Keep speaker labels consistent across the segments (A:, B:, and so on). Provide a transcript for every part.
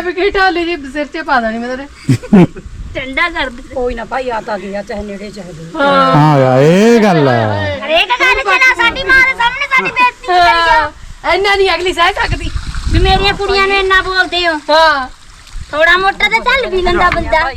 A: ਵੀ ਕੀ ਢਾਲੀ ਜੀ ਸਿਰ 'ਚ ਪਾ ਦੇਣੀ ਮੈਂ ਤੇਰੇ
B: ਠੰਡਾ ਕਰ ਦੇ
C: ਕੋਈ ਨਾ ਭਾਈ ਆ ਤਾਂ ਗਿਆ ਚਾਹੇ ਨੇੜੇ ਚਾਹੇ ਦੂਰ
D: ਹਾਂ ਯਾਰ ਇਹ ਗੱਲ ਹੈ
B: ਹਰੇਕ ਗੱਲ ਚ ਨਾ ਸਾਡੀ ਮਾਂ ਦੇ ਸਾਹਮਣੇ ਸਾਡੀ ਬੇਇੱਜ਼ਤੀ ਕਰੀ
A: ਇੰਨਾ ਨਹੀਂ ਅਗਲੀ ਸਹਿ ਸਕਦੀ
B: ਵੀ ਮੇਰੀਆਂ ਕੁੜੀਆਂ ਨੂੰ ਇੰਨਾ ਬੋਲਦੇ ਹੋ
A: ਹਾਂ
B: ਥੋੜਾ ਮੋਟਾ ਤੇ ਚੱਲ ਵੀ ਲੰਦਾ ਬੰਦਾ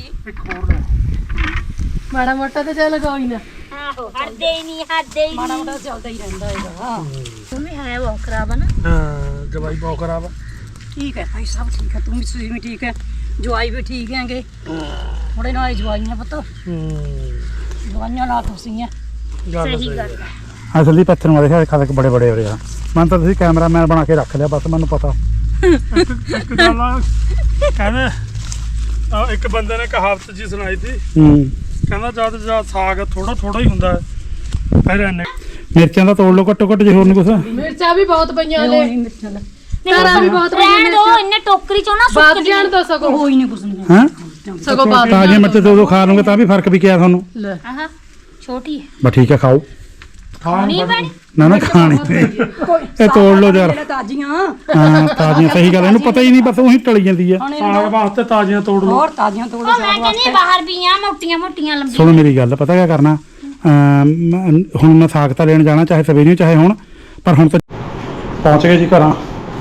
A: ਮਾੜਾ ਮੋਟਾ ਤੇ ਚੱਲ ਕੋਈ ਨਾ
B: ਆਹੋ ਹੱਦੇ ਹੀ ਨਹੀਂ ਹੱਦੇ ਹੀ
C: ਮਾੜਾ ਮੋਟਾ ਚੱਲਦਾ ਹੀ ਰਹਿੰਦਾ ਹੈਗਾ
B: ਮੰਮੀ ਹੈ ਬਹੁਤ ਖਰਾਬ ਆ ਨਾ
E: ਹਾਂ ਜਵਾਈ ਬਹੁਤ ਖਰਾਬ ਆ
C: ਠੀਕ ਹੈ ਭਾਈ ਸਭ ਠੀਕ ਹੈ ਤੁਸੀਂ ਵੀ ਠੀਕ ਹੈ ਜਵਾਈ ਵੀ ਠੀਕ ਹੈਗੇ ਥੋੜੇ ਨਾਲ ਜਵਾਈਆਂ ਪੁੱਤ ਜਵਾਈਆਂ ਨਾਲ ਤੁਸੀਂ ਹੈ
B: ਸਹੀ ਗੱਲ ਆ
D: ਅਸਲੀ ਪੱਥਰ ਨੂੰ ਦੇਖਿਆ ਖਾਲੇ ਬੜੇ ਬੜੇ ਹੋ ਰਹੇ ਆ ਮੈਂ ਤਾਂ ਤੁਸੀਂ ਕੈਮਰਾਮੈਨ ਬਣਾ ਕੇ ਰੱਖ ਲਿਆ ਬਸ ਮੈਨੂੰ ਪਤਾ
E: ਇੱਕ ਗੱਲ ਆ ਕਹਿੰਦੇ ਇੱਕ ਬੰਦੇ ਨੇ ਕਹਾਵਤ ਜੀ ਸੁਣਾਈ ਸੀ ਕਹਿੰਦਾ ਜਦ ਸਾਗ ਥੋੜਾ ਹੀ ਹੁੰਦਾ ਫਿਰ ਇਹਨੇ
D: ਮਿਰਚਾਂ ਦਾ ਤੋੜ ਲਓ ਘੱਟੋ ਘੱਟ ਜੇ ਹੋਰ ਨਹੀਂ ਕੁਛ
A: ਮਿਰਚਾਂ ਵੀ ਬਹੁਤ ਪਈਆਂ ਨੇ
C: ਮਿੱਠਾ ਲੈ
A: ਤਾਰਾਂ ਵੀ ਬਹੁਤ ਪਈਆਂ
B: ਰਹਿਣ ਦੋ ਇੰਨੇ ਟੋਕਰੀ ਚੋਂ ਨਾ
A: ਬਾਤ
B: ਸੁੱਕ
A: ਜਾਣ ਤੋਂ ਸਗੋਂ
C: ਕੋਈ ਨਹੀਂ ਕੁਛ ਨਹੀਂ
D: ਹਾਂ
A: ਸਗੋਂ ਬਾਤ
D: ਤਾਜ਼ੀਆਂ ਮਿਰਚਾਂ ਦੋ ਖਾ ਲਓਗੇ ਤਾਂ ਵੀ ਫਰਕ ਵੀ ਕਿਆ ਤੁਹਾਨੂੰ
A: ਲੈ
B: ਆਹ ਛੋਟੀ ਹੈ
D: ਬਸ ਠੀਕ ਹੈ ਖਾਓ
B: ਨਹੀਂ ਬਣੀ
D: ਨਾ ਖਾਣੀ ਇਹ ਤੋੜ ਲਓ ਯਾਰ
C: ਤਾਜ਼ੀਆਂ
D: ਹਾਂ ਤਾਜ਼ੀਆਂ ਸਹੀ ਗੱਲ ਇਹਨੂੰ ਪਤਾ ਹੀ ਨਹੀਂ ਬਸ ਉਹੀ ਟਲੀ ਜਾਂਦੀ ਆ
E: ਸਾਗ ਵਾਸਤੇ ਤਾਜ਼ੀਆਂ ਤੋੜ ਲਓ
C: ਹੋਰ ਤਾਜ਼ੀਆਂ ਤੋੜ
B: ਉਹ ਮੈਂ ਕਹਿੰਦੀ ਬਾਹਰ ਵੀ ਆ ਮੋਟੀਆਂ ਮੋਟੀਆਂ ਲੰਬੀਆਂ
D: ਸੁਣੋ ਮੇਰੀ ਗੱਲ ਪਤਾ ਕਿਆ ਕਰਨਾ ਹੁਣ ਮੈਂ ਸਾਗ ਤਾਂ ਲੈਣ ਜਾਣਾ ਚਾਹੇ ਸਵੇਰੇ ਚਾਹੇ ਹੁਣ ਪਰ ਹੁਣ ਤਾਂ ਪਹੁੰਚ ਗਏ ਜੀ ਘਰਾਂ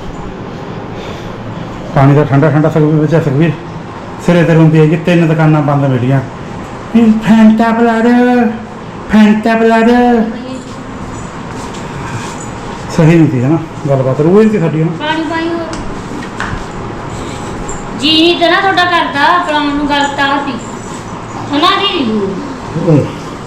D: ਪਾਣੀ ਦਾ ਠੰਡਾ ਸੁਖਵੀਰ ਵਿੱਚ ਸੁਖਵੀਰ ਸਿਰੇ ਤੇ ਹੁੰਦੀ ਹੈ ਕਿ 3 ਦੁਕਾਨਾਂ ਬੰਦ ਮਿਲੀਆਂ ਫੈਂਟਾ ਬਲਰ ਸਹੀ ਨਹੀਂ ਸੀ ਹੈ ਨਾ ਗੱਲਬਾਤ ਰੂਹ ਨਹੀਂ ਸੀ ਸਾਡੀ ਨਾ
B: ਪਾਣੀ ਪਾਈ ਹੋਰ ਜੀ ਨਹੀਂ ਤੇ ਨਾ ਤੁਹਾਡਾ ਕਰਦਾ ਪਲਾਉਣ ਨੂੰ ਗੱਲ ਤਾਂ ਸੀ ਹਨਾ ਦੀ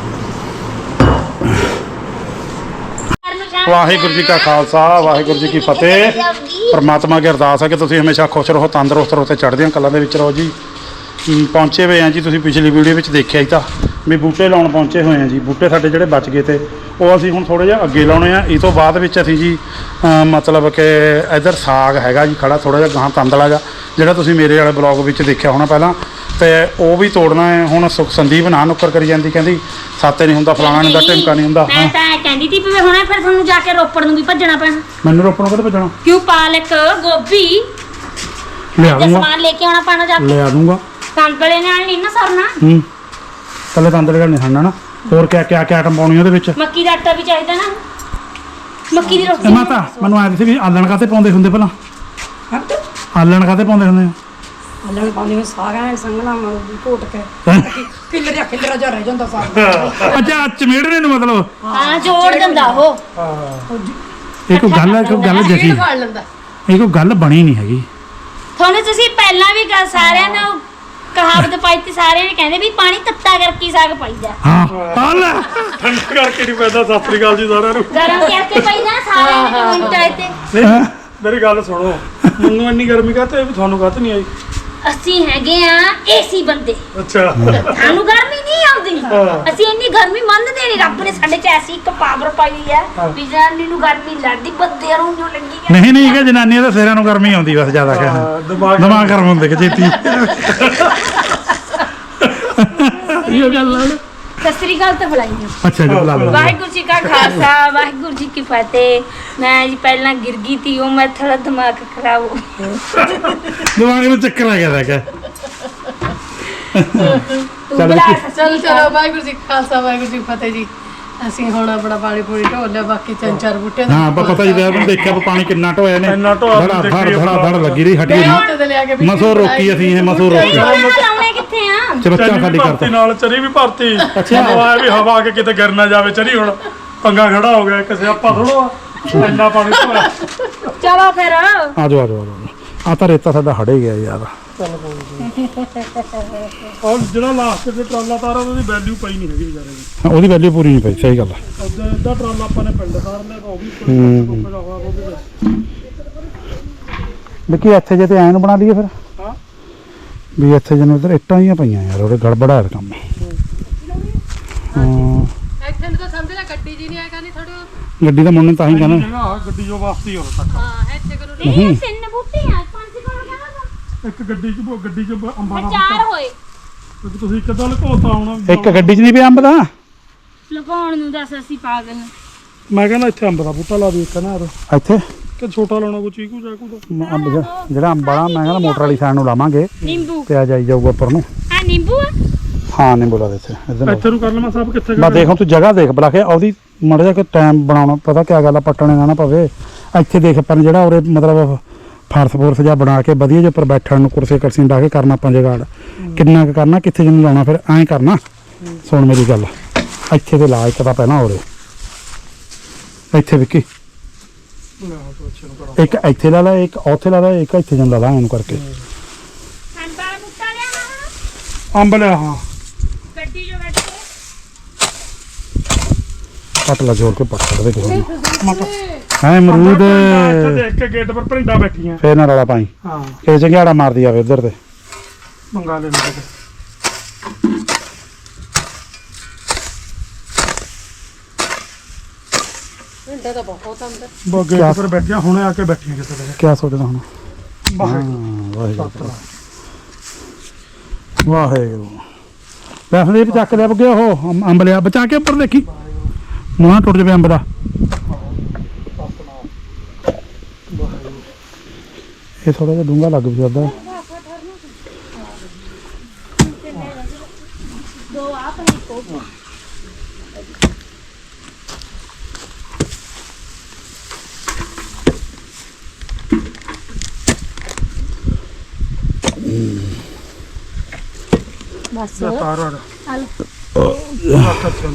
D: ਵਾਹਿਗੁਰੂ ਜੀ ਕਾ ਖਾਲਸਾ ਵਾਹਿਗੁਰੂ ਜੀ ਕੀ ਫਤਿਹ ਪਰਮਾਤਮਾ ਅੱਗੇ ਅਰਦਾਸ ਹੈ ਕਿ ਤੁਸੀਂ ਹਮੇਸ਼ਾ ਖੁਸ਼ ਰਹੋ ਤੰਦਰੁਸਤ ਰਹੋ ਤੇ ਚੜ੍ਹਦੀਆਂ ਕਲਾਂ ਦੇ ਵਿੱਚ ਰਹੋ ਜੀ ਪਹੁੰਚੇ ਹੋਏ ਆ ਜੀ ਤੁਸੀਂ ਪਿਛਲੀ ਵੀਡੀਓ ਵਿੱਚ ਦੇਖਿਆ ਹੀ ਤਾਂ ਵੀ ਬੂਟੇ ਲਾਉਣ ਪਹੁੰਚੇ ਹੋਏ ਆ ਜੀ ਬੂਟੇ ਸਾਡੇ ਜਿਹੜੇ ਬਚ ਗਏ ਤੇ ਉਹ ਅਸੀਂ ਹੁਣ ਥੋੜ੍ਹੇ ਜਿਹਾ ਅੱਗੇ ਲਾਉਣੇ ਆ ਇਹ ਤੋਂ ਬਾਅਦ ਵਿੱਚ ਅਸੀਂ ਜੀ ਮਤਲਬ ਕਿ ਇੱਧਰ ਸਾਗ ਹੈਗਾ ਜੀ ਖੜਾ ਥੋੜ੍ਹਾ ਜਿਹਾ ਗਾਹਾਂ ਤੰਦਲਾ ਜਾ ਜਿਹੜਾ ਤੁਸੀਂ ਮੇਰੇ ਵਾਲੇ ਬਲੌਗ ਵਿੱਚ ਦੇਖਿਆ ਹੋਣਾ ਪਹਿਲਾਂ ਤੇ ਉਹ ਵੀ ਤੋੜਨਾ ਹੈ ਹੁਣ ਸੰਦੀਪ ਨਾ ਨੁੱਕਰ ਕਰੀ ਜਾਂਦੀ ਕਹਿੰਦੀ ਸਾਤੇ ਨਹੀਂ ਹੁੰਦਾ ਫਲਾਣਾ ਨਹੀਂ ਹੁੰਦਾ ਢਿਮਕਾ ਨਹੀਂ ਹੁੰਦਾ
B: ਮੈਂ ਤਾਂ ਕਹਿੰਦੀ ਤੀ ਵੀ ਹੁਣੇ ਫਿਰ ਤੁਹਾਨੂੰ ਜਾ ਕੇ ਰੋਪੜ ਨੂੰ ਵੀ ਭੱਜਣਾ ਪੈਣਾ
D: ਮੈਨੂੰ ਰੋਪਣ ਕਦੇ ਭੇਜਣਾ
B: ਕਿਉਂ ਪਾਲਕ ਗੋਭੀ
D: ਲਿਆ
B: ਤੇ
D: ਦੂੰਗਾ
B: ਸਮਾਨ ਲੈ ਕੇ ਆਉਣਾ ਪੈਣਾ ਜਾ ਕੇ
D: ਲਿਆ ਦੂੰਗਾ
B: ਕੰਕਲੇ ਨਾਲ ਨਹੀਂ ਨਾ ਸਰਨਾ
D: ਕੱਲੇ ਤੰਦਲੇ ਗੱਲ ਨਹੀਂ ਖਾਣਾ ਨਾ ਹੋਰ ਕਿਆ ਆਈਟਮ ਪਾਉਣੀ ਉਹਦੇ ਵਿੱਚ
B: ਮੱਕੀ ਦਾ ਆਟਾ ਵੀ ਚਾਹੀਦਾ ਨਾ ਮੱਕੀ ਦੀ
D: ਇਹ
B: ਰੋਟੀ
D: ਮਾਤਾ ਮੈਨੂੰ ਆਇਆ ਸੀ ਵੀ ਆਲਣ ਕਾਤੇ ਪਾਉਂਦੇ ਹੁੰਦੇ ਪਹਿਲਾਂ ਆਲਣ ਕਾਤੇ ਪਾਉਂਦੇ ਹੁੰਦੇ
C: ਅੱਲਣ ਪਾਉਂਦੇ ਨੇ ਸਾਰਾ ਸੰਗਲਾ ਘੋਟ ਕੇ ਖਿਲਰਿਆ ਜਾ ਰਹਿ ਜਾਂਦਾ ਸਾਗ
D: ਅੱਛਾ ਚਮੇੜਨੇ ਨੂੰ ਮਤਲਬ
B: ਹਾਂ ਜੋੜ ਦਿੰਦਾ ਉਹ
D: ਇਹ ਕੋਈ ਗੱਲ ਜਗੀ
A: ਫੜ ਲੈਂਦਾ
D: ਇਹ ਕੋਈ ਗੱਲ ਬਣੀ ਨਹੀਂ ਹੈਗੀ
B: ਤੁਹਾਨੂੰ ਤੁਸੀਂ ਪਹਿਲਾਂ ਵੀ ਸਾਰਿਆਂ ਨੂੰ ਕਹਾਵਤ ਪਾਈ ਤੇ ਸਾਰਿਆਂ ਨੇ ਕਹਿੰਦੇ ਵੀ ਪਾਣੀ ਤੱਤਾ ਕਰਕੇ ਸਾਗ ਪਾਈਦਾ
D: ਹਾਂ ਹਾਲ
E: ਠੰਡਾ ਕਰਕੇ ਨਹੀਂ ਪੈਂਦਾ ਸਤਿ ਸ੍ਰੀ ਅਕਾਲ ਜੀ ਸਾਰਿਆਂ ਨੂੰ
B: ਗਰਮ ਕਰਕੇ ਪਾਈਦਾ ਸਾਰਿਆਂ ਨੇ ਕਮੈਂਟ ਆਏ ਤੇ
E: ਨਹੀਂ ਮੇਰੀ ਗੱਲ ਸੁਣੋ ਮੈਨੂੰ ਇੰਨੀ ਗਰਮੀ ਕਾਹਤੇ ਵੀ ਤੁਹਾਨੂੰ ਕਾਹਤੇ ਨਹੀਂ ਆਈ
B: ਅਸੀਂ ਹੈਗੇ ਆ ਏਸੀ ਬੰਦੇ
E: ਅੱਛਾ
B: ਸਾਨੂੰ ਗਰਮੀ ਨਹੀਂ ਆਉਂਦੀ ਅਸੀਂ ਇੰਨੀ ਗਰਮੀ ਮੰਨਦੇ ਨਹੀਂ ਰੱਬ ਨੇ ਸਾਡੇ ਚ ਐਸੀ ਇੱਕ ਪਾਵਰ ਪਾਈ ਹੈ ਵੀ ਜਾਨੀ ਨੂੰ ਗਰਮੀ ਲੜਦੀ ਬੰਦਿਆਂ ਨੂੰ ਜੋ ਲੱਗੀ
D: ਨਹੀਂ ਕਿ ਜਨਾਨੀਆਂ ਦੇ ਸਿਰਾਂ ਨੂੰ ਗਰਮੀ ਆਉਂਦੀ ਬਸ ਜ਼ਿਆਦਾ ਕਹਿ ਦਿਮਾਗ ਗਰਮ ਹੁੰਦੇ ਕਿ ਛੇਤੀ ਇਹ ਗੱਲ ਆ
B: ਸਤਿ ਸ੍ਰੀ ਅਕਾਲ ਤੇ ਬੁਲਾਈ
D: ਅੱਛਾ ਜੀ ਬੁਲਾ ਲਓ
B: ਵਾਹਿਗੁਰੂ ਜੀ ਕਾ ਖਾਲਸਾ ਵਾਹਿਗੁਰੂ ਜੀ ਕੀ ਫਤਿਹ ਮੈਂ ਜੀ ਪਹਿਲਾਂ ਗਿਰ ਗਈ ਥੀ ਉਹ ਮੈਂ ਥੋੜਾ ਦਿਮਾਗ ਖਰਾਬ ਹੋ ਗਿਆ
D: ਦਿਮਾਗ ਨੂੰ ਚੱਕਰ ਆ ਗਿਆ ਕਿ
A: ਚਲੋ ਵਾਹਿਗੁਰੂ ਜੀ ਕਾ ਖਾਲਸਾ ਵਾਹਿਗੁਰੂ ਜੀ ਕੀ ਫਤਿਹ ਜੀ ਅਸੀਂ ਹੁਣ ਆਪਣਾ ਪਾਣੀ ਪੂਰੀ ਢੋਲ ਲਿਆ ਬਾਕੀ 3-4 ਬੂਟੇ
D: ਹਾਂ ਪਤਾ ਹੀ ਮੈਂ ਦੇਖਿਆ ਪਾਣੀ ਕਿੰਨਾ ਢੋਇਆ ਨੇ
E: ਇੰਨਾ ਢੋਆ
D: ਧੜ ਲੱਗੀ ਰਹੀ ਹਟੀ
A: ਤੇ ਲਿਆ ਕੇ
D: ਮਸੋ ਰੋਕੀ ਅਸੀਂ ਇਹ ਮਸੋ ਰੋਕੀ
B: ਲਾਉਣੇ ਕਿੱਥੇ ਆ
D: ਚਬੱਚਾ
E: ਚਰੀ
D: ਖਾਲੀ
E: ਵੀ
D: ਕਰਤਾ
E: ਭਰਤੀ ਨਾਲ ਚਰੀ ਵੀ ਭਰਤੀ ਹਵਾ ਵੀ ਹਵਾ ਕੇ ਕਿਤੇ ਗਿਰ ਨਾ ਜਾਵੇ ਚਰੀ ਹੁਣ ਪੰਗਾ ਖੜਾ ਹੋ ਗਿਆ ਕਿਸੇ ਆਪਾਂ ਥੋੜਾ ਇੰਨਾ ਪਾਣੀ ਧੋਇਆ
B: ਚਲੋ ਫਿਰ
D: ਆ ਜਾਓ ਆ ਤਾਂ ਰੇਤਾ ਸਾਡਾ ਹੜੇ ਗਿਆ ਯਾਰ
E: ਔਰ ਜਿਹੜਾ ਲਾਸਟ ਤੇ ਟਰਾਲਾ ਤਾਰਾ ਉਹਦੀ ਵੈਲਿਊ ਪਈ ਨਹੀਂ ਹੈਗੀ ਵਿਚਾਰੇ ਦੀ
D: ਉਹਦੀ ਵੈਲਿਊ ਪੂਰੀ ਨਹੀਂ ਪਈ ਸਹੀ ਗੱਲ ਆ
E: ਅੱਧਾ ਟਰਾਲਾ ਆਪਾਂ ਨੇ ਪਿੰਡ ਤਾਰ ਲਿਆ ਉਹ ਵੀ
D: ਦੇਖੀ ਇੱਥੇ ਜੇ ਤੇ ਐਨ ਬਣਾ ਲਈਏ ਫਿਰ
E: ਹਾਂ
D: ਵੀ ਇੱਥੇ ਜਿਹਨੂੰ ਉਧਰ ਇੱਟਾਂ ਹੀ ਪਈਆਂ ਯਾਰ ਉਹਦੇ ਗੜਬੜਾ ਹੈ ਕੰਮ ਹਾਂ
A: ਇੱਥੇ ਨੂੰ ਤਾਂ ਸਮਝ ਲੈ ਗੱਡੀ ਜੀ ਨਹੀਂ ਆਇਆ ਕਰਨੀ ਥੋੜੀ
D: ਗੱਡੀ ਦਾ ਮੁੰਨੇ ਤਾਂ ਹੀ ਕਹਿੰਦਾ
E: ਗੱਡੀ ਜੋ ਵਾਸਤੇ ਹੋ ਤੱਕ
A: ਹਾਂ ਇੱਥੇ ਕਰੋ
B: ਇਹ ਤਿੰਨ ਬੂਟੇ ਆ ਪੰਜ ਕੋਲ ਕਹਿੰਦਾ
E: ਇੱਕ ਗੱਡੀ ਚ ਅੰਬਾਂ ਦਾ
B: ਚਾਰ ਹੋਏ
E: ਕਿਉਂਕਿ ਤੁਸੀਂ ਇੱਕ ਤਾਂ ਲਕੋਤਾ ਆਉਣਾ
D: ਇੱਕ ਗੱਡੀ 'ਚ ਨਹੀਂ ਪਿਆ ਅੰਬ ਦਾ
B: ਲਗਾਉਣ ਨੂੰ ਦੱਸ ਅਸੀਂ ਪਾਗਲ
E: ਮੈਂ ਕਹਿੰਦਾ ਇੱਥੇ ਅੰਬ ਦਾ ਬੂਟਾ ਲਾ ਦੇ ਇੱਕ ਨਾ
D: ਇੱਥੇ
E: ਕਿ ਛੋਟਾ ਲਾਉਣਾ ਕੋਈ ਚੀਕੂ ਚਾਕੂ ਦਾ
D: ਜਿਹੜਾ ਅੰਬ ਵਾਲਾ ਮੈਂ ਕਹਿੰਦਾ ਮੋਟਰ ਵਾਲੀ ਸਾਈਡ ਨੂੰ ਲਾਵਾਂਗੇ
B: ਨਿੰਬੂ
D: ਤੇ ਆ ਜਾਈ ਜਾਊਗਾ ਉੱਪਰ ਨੂੰ।
B: ਆ ਨਿੰਬੂ ਆ
D: ਹਾਂ ਨਹੀਂ ਬੋਲਾ ਇੱਥੇ
E: ਇੱਥੇ ਨੂੰ ਕਰ ਲਵਾਂ ਸਭ ਕਿੱਥੇ
D: ਬਸ ਦੇਖ ਹੁਣ ਤੂੰ ਜਗ੍ਹਾ ਦੇਖ ਬਲਾ ਕੇ ਉਹਦੀ ਮਾੜਾ ਜਿਹਾ ਕਿ ਟਾਈਮ ਬਣਾਉਣਾ ਪਤਾ ਕਿਆ ਗੱਲ ਆ ਪੱਟਣੇ ਨਾ ਪਵੇ। ਇੱਥੇ ਦੇਖ ਆਪਾਂ ਨੇ ਜਿਹੜਾ ਉਰੇ ਮਤਲਬ ਫਰਸ਼ ਜਿਹਾ ਬਣਾ ਕੇ ਵਧੀਆ ਜਿਹੇ ਉੱਪਰ ਬੈਠਣ ਨੂੰ ਕੁਰਸੀ ਕਰਸੀ ਡਾ ਕੇ ਕਰਨਾ ਆਪਾਂ ਜਗਾੜ ਕਿੰਨਾ ਕੁ ਕਰਨਾ ਕਿੱਥੇ ਜਿਹਨੂੰ ਲਾਉਣਾ ਫਿਰ ਐਂ ਕਰਨਾ। ਸੁਣ ਮੇਰੀ ਗੱਲ ਇੱਥੇ ਤੇ ਲਾ ਇੱਕ ਤਾਂ ਪਹਿਲਾਂ ਉਰੇ ਇੱਥੇ ਵਿੱਕੀ ਇੱਕ ਇੱਥੇ ਲਾ ਲਾ ਇੱਕ ਉੱਥੇ ਲਾ ਲਾ ਇੱਕ ਇੱਥੇ ਜਿਹਨੂੰ ਲਾ ਲਾ ਇਹਨੂੰ ਕਰਕੇ
B: ਸੰਬਾ ਮੁੱਟਾ ਲਿਆ
E: ਅੰਬ ਲਿਆ ਹਾਂ
B: ਗੱਡੀ ਜੋ ਬੈਠ ਕੇ
D: ਪੱਟ ਲਾ ਜੋੜ ਕੇ ਪੱਟ ਸਕਦੇ ਕਿਸੇ
E: ਮਟਰ
D: ਹੈ ਅਮਰੂਦ
E: ਇੱਥੇ ਦੇਖ ਕੇ ਗੇਟ ਪਰ ਭਰਿੰਡਾ ਬੈਠੀਆਂ
D: ਫੇਰ ਨਾ ਰੌਲਾ ਪਾਈ
E: ਹਾਂ
D: ਇਹ ਜੰਗਿਆੜਾ ਮਾਰਦੀ ਆਵੇ ਉਧਰ ਤੇ
E: ਮੰਗਾ ਲੈ ਮੇਰੇ
A: ਘੰਟਾ ਤਾਂ ਬਹੁਤ ਅੰਦਰ
E: ਬੋ ਗੇਟ ਪਰ ਬੈਠੀਆਂ ਹੁਣੇ ਆ ਕੇ ਬੈਠੀਆਂ ਕਿਤੇ ਦੇ
D: ਕਿਆ ਸੋਚਦਾ ਹੁਣ
E: ਬਾਹਰ
D: ਵਾਹਿਗੁਰੂ ਵਾਹਿਗੁਰੂ ਵੈਸੇ ਚੱਕ ਲਿਆ ਬਗੇ ਉਹ ਅੰਬ ਲਿਆ ਬਚਾ ਕੇ ਉੱਪਰ ਦੇਖੀ ਮੂੰਹ ਟੁੱਟ ਜਾਵੇ ਅੰਬ ਦਾ ਇਹ ਥੋੜਾ ਜਿਹਾ ਡੂੰਘਾ ਲੱਗ ਵੀ ਸਕਦਾ
B: ਦੋ ਆ ਪਈ ਕੋ ਬਸ
E: ਤਾਰਾ
B: ਹਲ
E: ਰੱਖ ਛੱਡ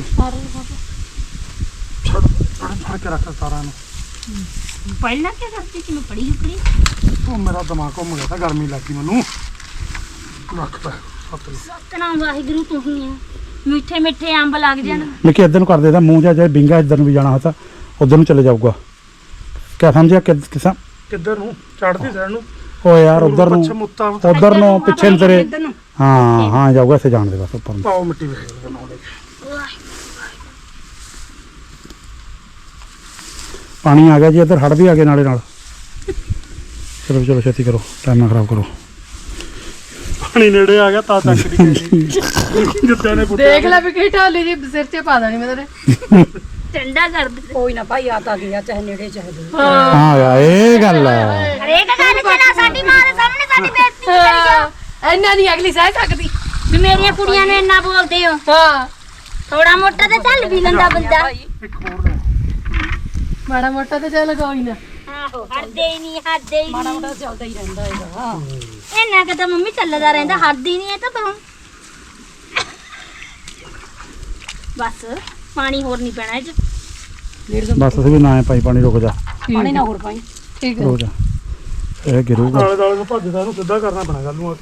E: ਛੱਡ ਕੇ ਰੱਖ ਤਾਰਾ ਨੂੰ
B: ਪੜਨਾ ਕੀ ਕਰਦੀ ਕਿ ਮੈਂ ਪੜੀ ਹੁਕੜੀ
E: ਉਹ ਮੇਰਾ ਦਿਮਾਗ ਘੁੰਮ ਗਿਆ ਤਾਂ ਗਰਮੀ ਲੱਗੀ ਮੈਨੂੰ ਰੱਖ ਪੈ ਹੱਥ ਨੂੰ
B: ਸਤਨਾਮ ਵਾਹਿਗੁਰੂ ਤੂੰ ਹੀ ਆ ਮਿੱਠੇ ਮਿੱਠੇ ਅੰਬ ਲੱਗ ਜਾਣ
D: ਮਿੱਕੀ ਇੱਧਰ ਨੂੰ ਕਰ ਦੇਦਾ ਮੂੰਹ ਜਾ ਜੇ ਬਿੰਗਾ ਇੱਧਰ ਨੂੰ ਵੀ ਜਾਣਾ ਹੋਤਾ ਉਧਰ ਨੂੰ ਚਲੇ ਜਾਊਗਾ ਕਿਆ ਸਮਝਿਆ ਕਿਸਾ
E: ਕਿੱਧਰ ਨੂੰ ਚੜਦੀ ਸਾਈਡ ਨੂੰ
D: ਓ ਯਾਰ ਉਧਰ ਨੂੰ
E: ਪੱਛਮ ਉੱਤਾ
D: ਉਧਰ ਨੂੰ ਪਿੱਛੇ ਨੂੰ ਤੇਰੇ
C: ਇੱਧਰ ਨੂੰ
D: ਹਾਂ ਹਾਂ ਜਾਊਗਾ ਇੱਥੇ ਜਾਣ ਦੇ ਬਸ ਉੱਪਰ ਨੂੰ
E: ਪਾਓ ਮਿੱਟੀ ਵੇਖ ਬਣਾਉਂਦੇ
D: ਪਾਣੀ ਆ ਗਿਆ ਜੀ ਇੱਧਰ ਹੜ ਵੀ ਆ ਗਏ ਨਾਲੇ ਨਾਲ ਚਲੋ ਚਲੋ ਛੇਤੀ ਕਰੋ ਟਾਈਮ ਨਾ ਖਰਾਬ ਕਰੋ
E: ਪਾਣੀ ਨੇੜੇ ਆ ਗਿਆ ਤਾਂ ਤੱਕ ਦੀ ਜਿੱਦਾਂ ਨੇ ਪੁੱਟਿਆ
A: ਦੇਖ ਲੈ ਵੀ ਕੀ ਢਾਲੀ ਜੀ ਸਿਰ 'ਚ ਪਾ ਦੇਣੀ ਮੈਂ ਤੇਰੇ
B: ਠੰਡਾ ਕਰ ਦੇ
C: ਕੋਈ ਨਾ ਭਾਈ ਆ ਤਾਂ ਗਿਆ ਚਾਹੇ ਨੇੜੇ ਚਾਹੇ ਦੂਰ
D: ਹਾਂ ਯਾਰ ਇਹ ਗੱਲ ਹੈ
B: ਹਰੇਕ ਗੱਲ ਚਲਾ ਸਾਡੀ ਮਾਂ ਦੇ ਸਾਹਮਣੇ ਸਾਡੀ ਬੇਇੱਜ਼ਤੀ ਕਰੀ
A: ਇੰਨਾ ਨਹੀਂ ਅਗਲੀ ਸਹਿ ਸਕਦੀ
B: ਵੀ ਮੇਰੀਆਂ ਕੁੜੀਆਂ ਨੂੰ ਇੰਨਾ ਬੋਲਦੇ ਹੋ
A: ਹਾਂ
B: ਥੋੜਾ ਮੋਟਾ ਤੇ ਚੱਲ ਵੀ ਲੈਂਦਾ ਬੰਦਾ
E: ਇੱਕ ਹੋਰ ਲੈ
A: ਮਾੜਾ ਮੋਟਾ ਤੇ ਚੱਲ ਕੋਈ ਨਾ
B: ਆਹੋ ਹੱਦੇ ਹੀ ਨਹੀਂ ਹੱਦੇ ਹੀ
C: ਮਾੜਾ
B: ਨਹੀਂ
C: ਮੋਟਾ ਚੱਲਦਾ ਹੀ ਰਹਿੰਦਾ ਇਹਦਾ
B: ਇੰਨਾ ਕਿ ਤਾਂ ਮੰਮੀ ਚੱਲਦਾ ਰਹਿੰਦਾ ਹੱਦੀ ਨਹੀਂ ਇਹ ਤਾਂ ਤੂੰ ਬਸ ਪਾਣੀ ਹੋਰ ਨਹੀਂ ਪੈਣਾ ਇਹ ਚ
D: ਬਸ ਅਸੀਂ ਵੀ ਨਾ ਪਾਈ ਪਾਣੀ ਰੁਕ ਜਾ
C: ਪਾਣੀ ਨਾ ਹੋਰ ਪਾਈ
A: ਠੀਕ ਹੈ
D: ਰੁਕ ਜਾ ਇਹ ਗਿਰੂਗਾ
E: ਨਾਲੇ ਦਾਲੇ ਨੂੰ ਭੱਜਦਾ ਇਹਨੂੰ ਸਿੱਧਾ ਕਰਨਾ ਪੈਣਾ ਗੱਲ ਨੂੰ ਆ ਕੇ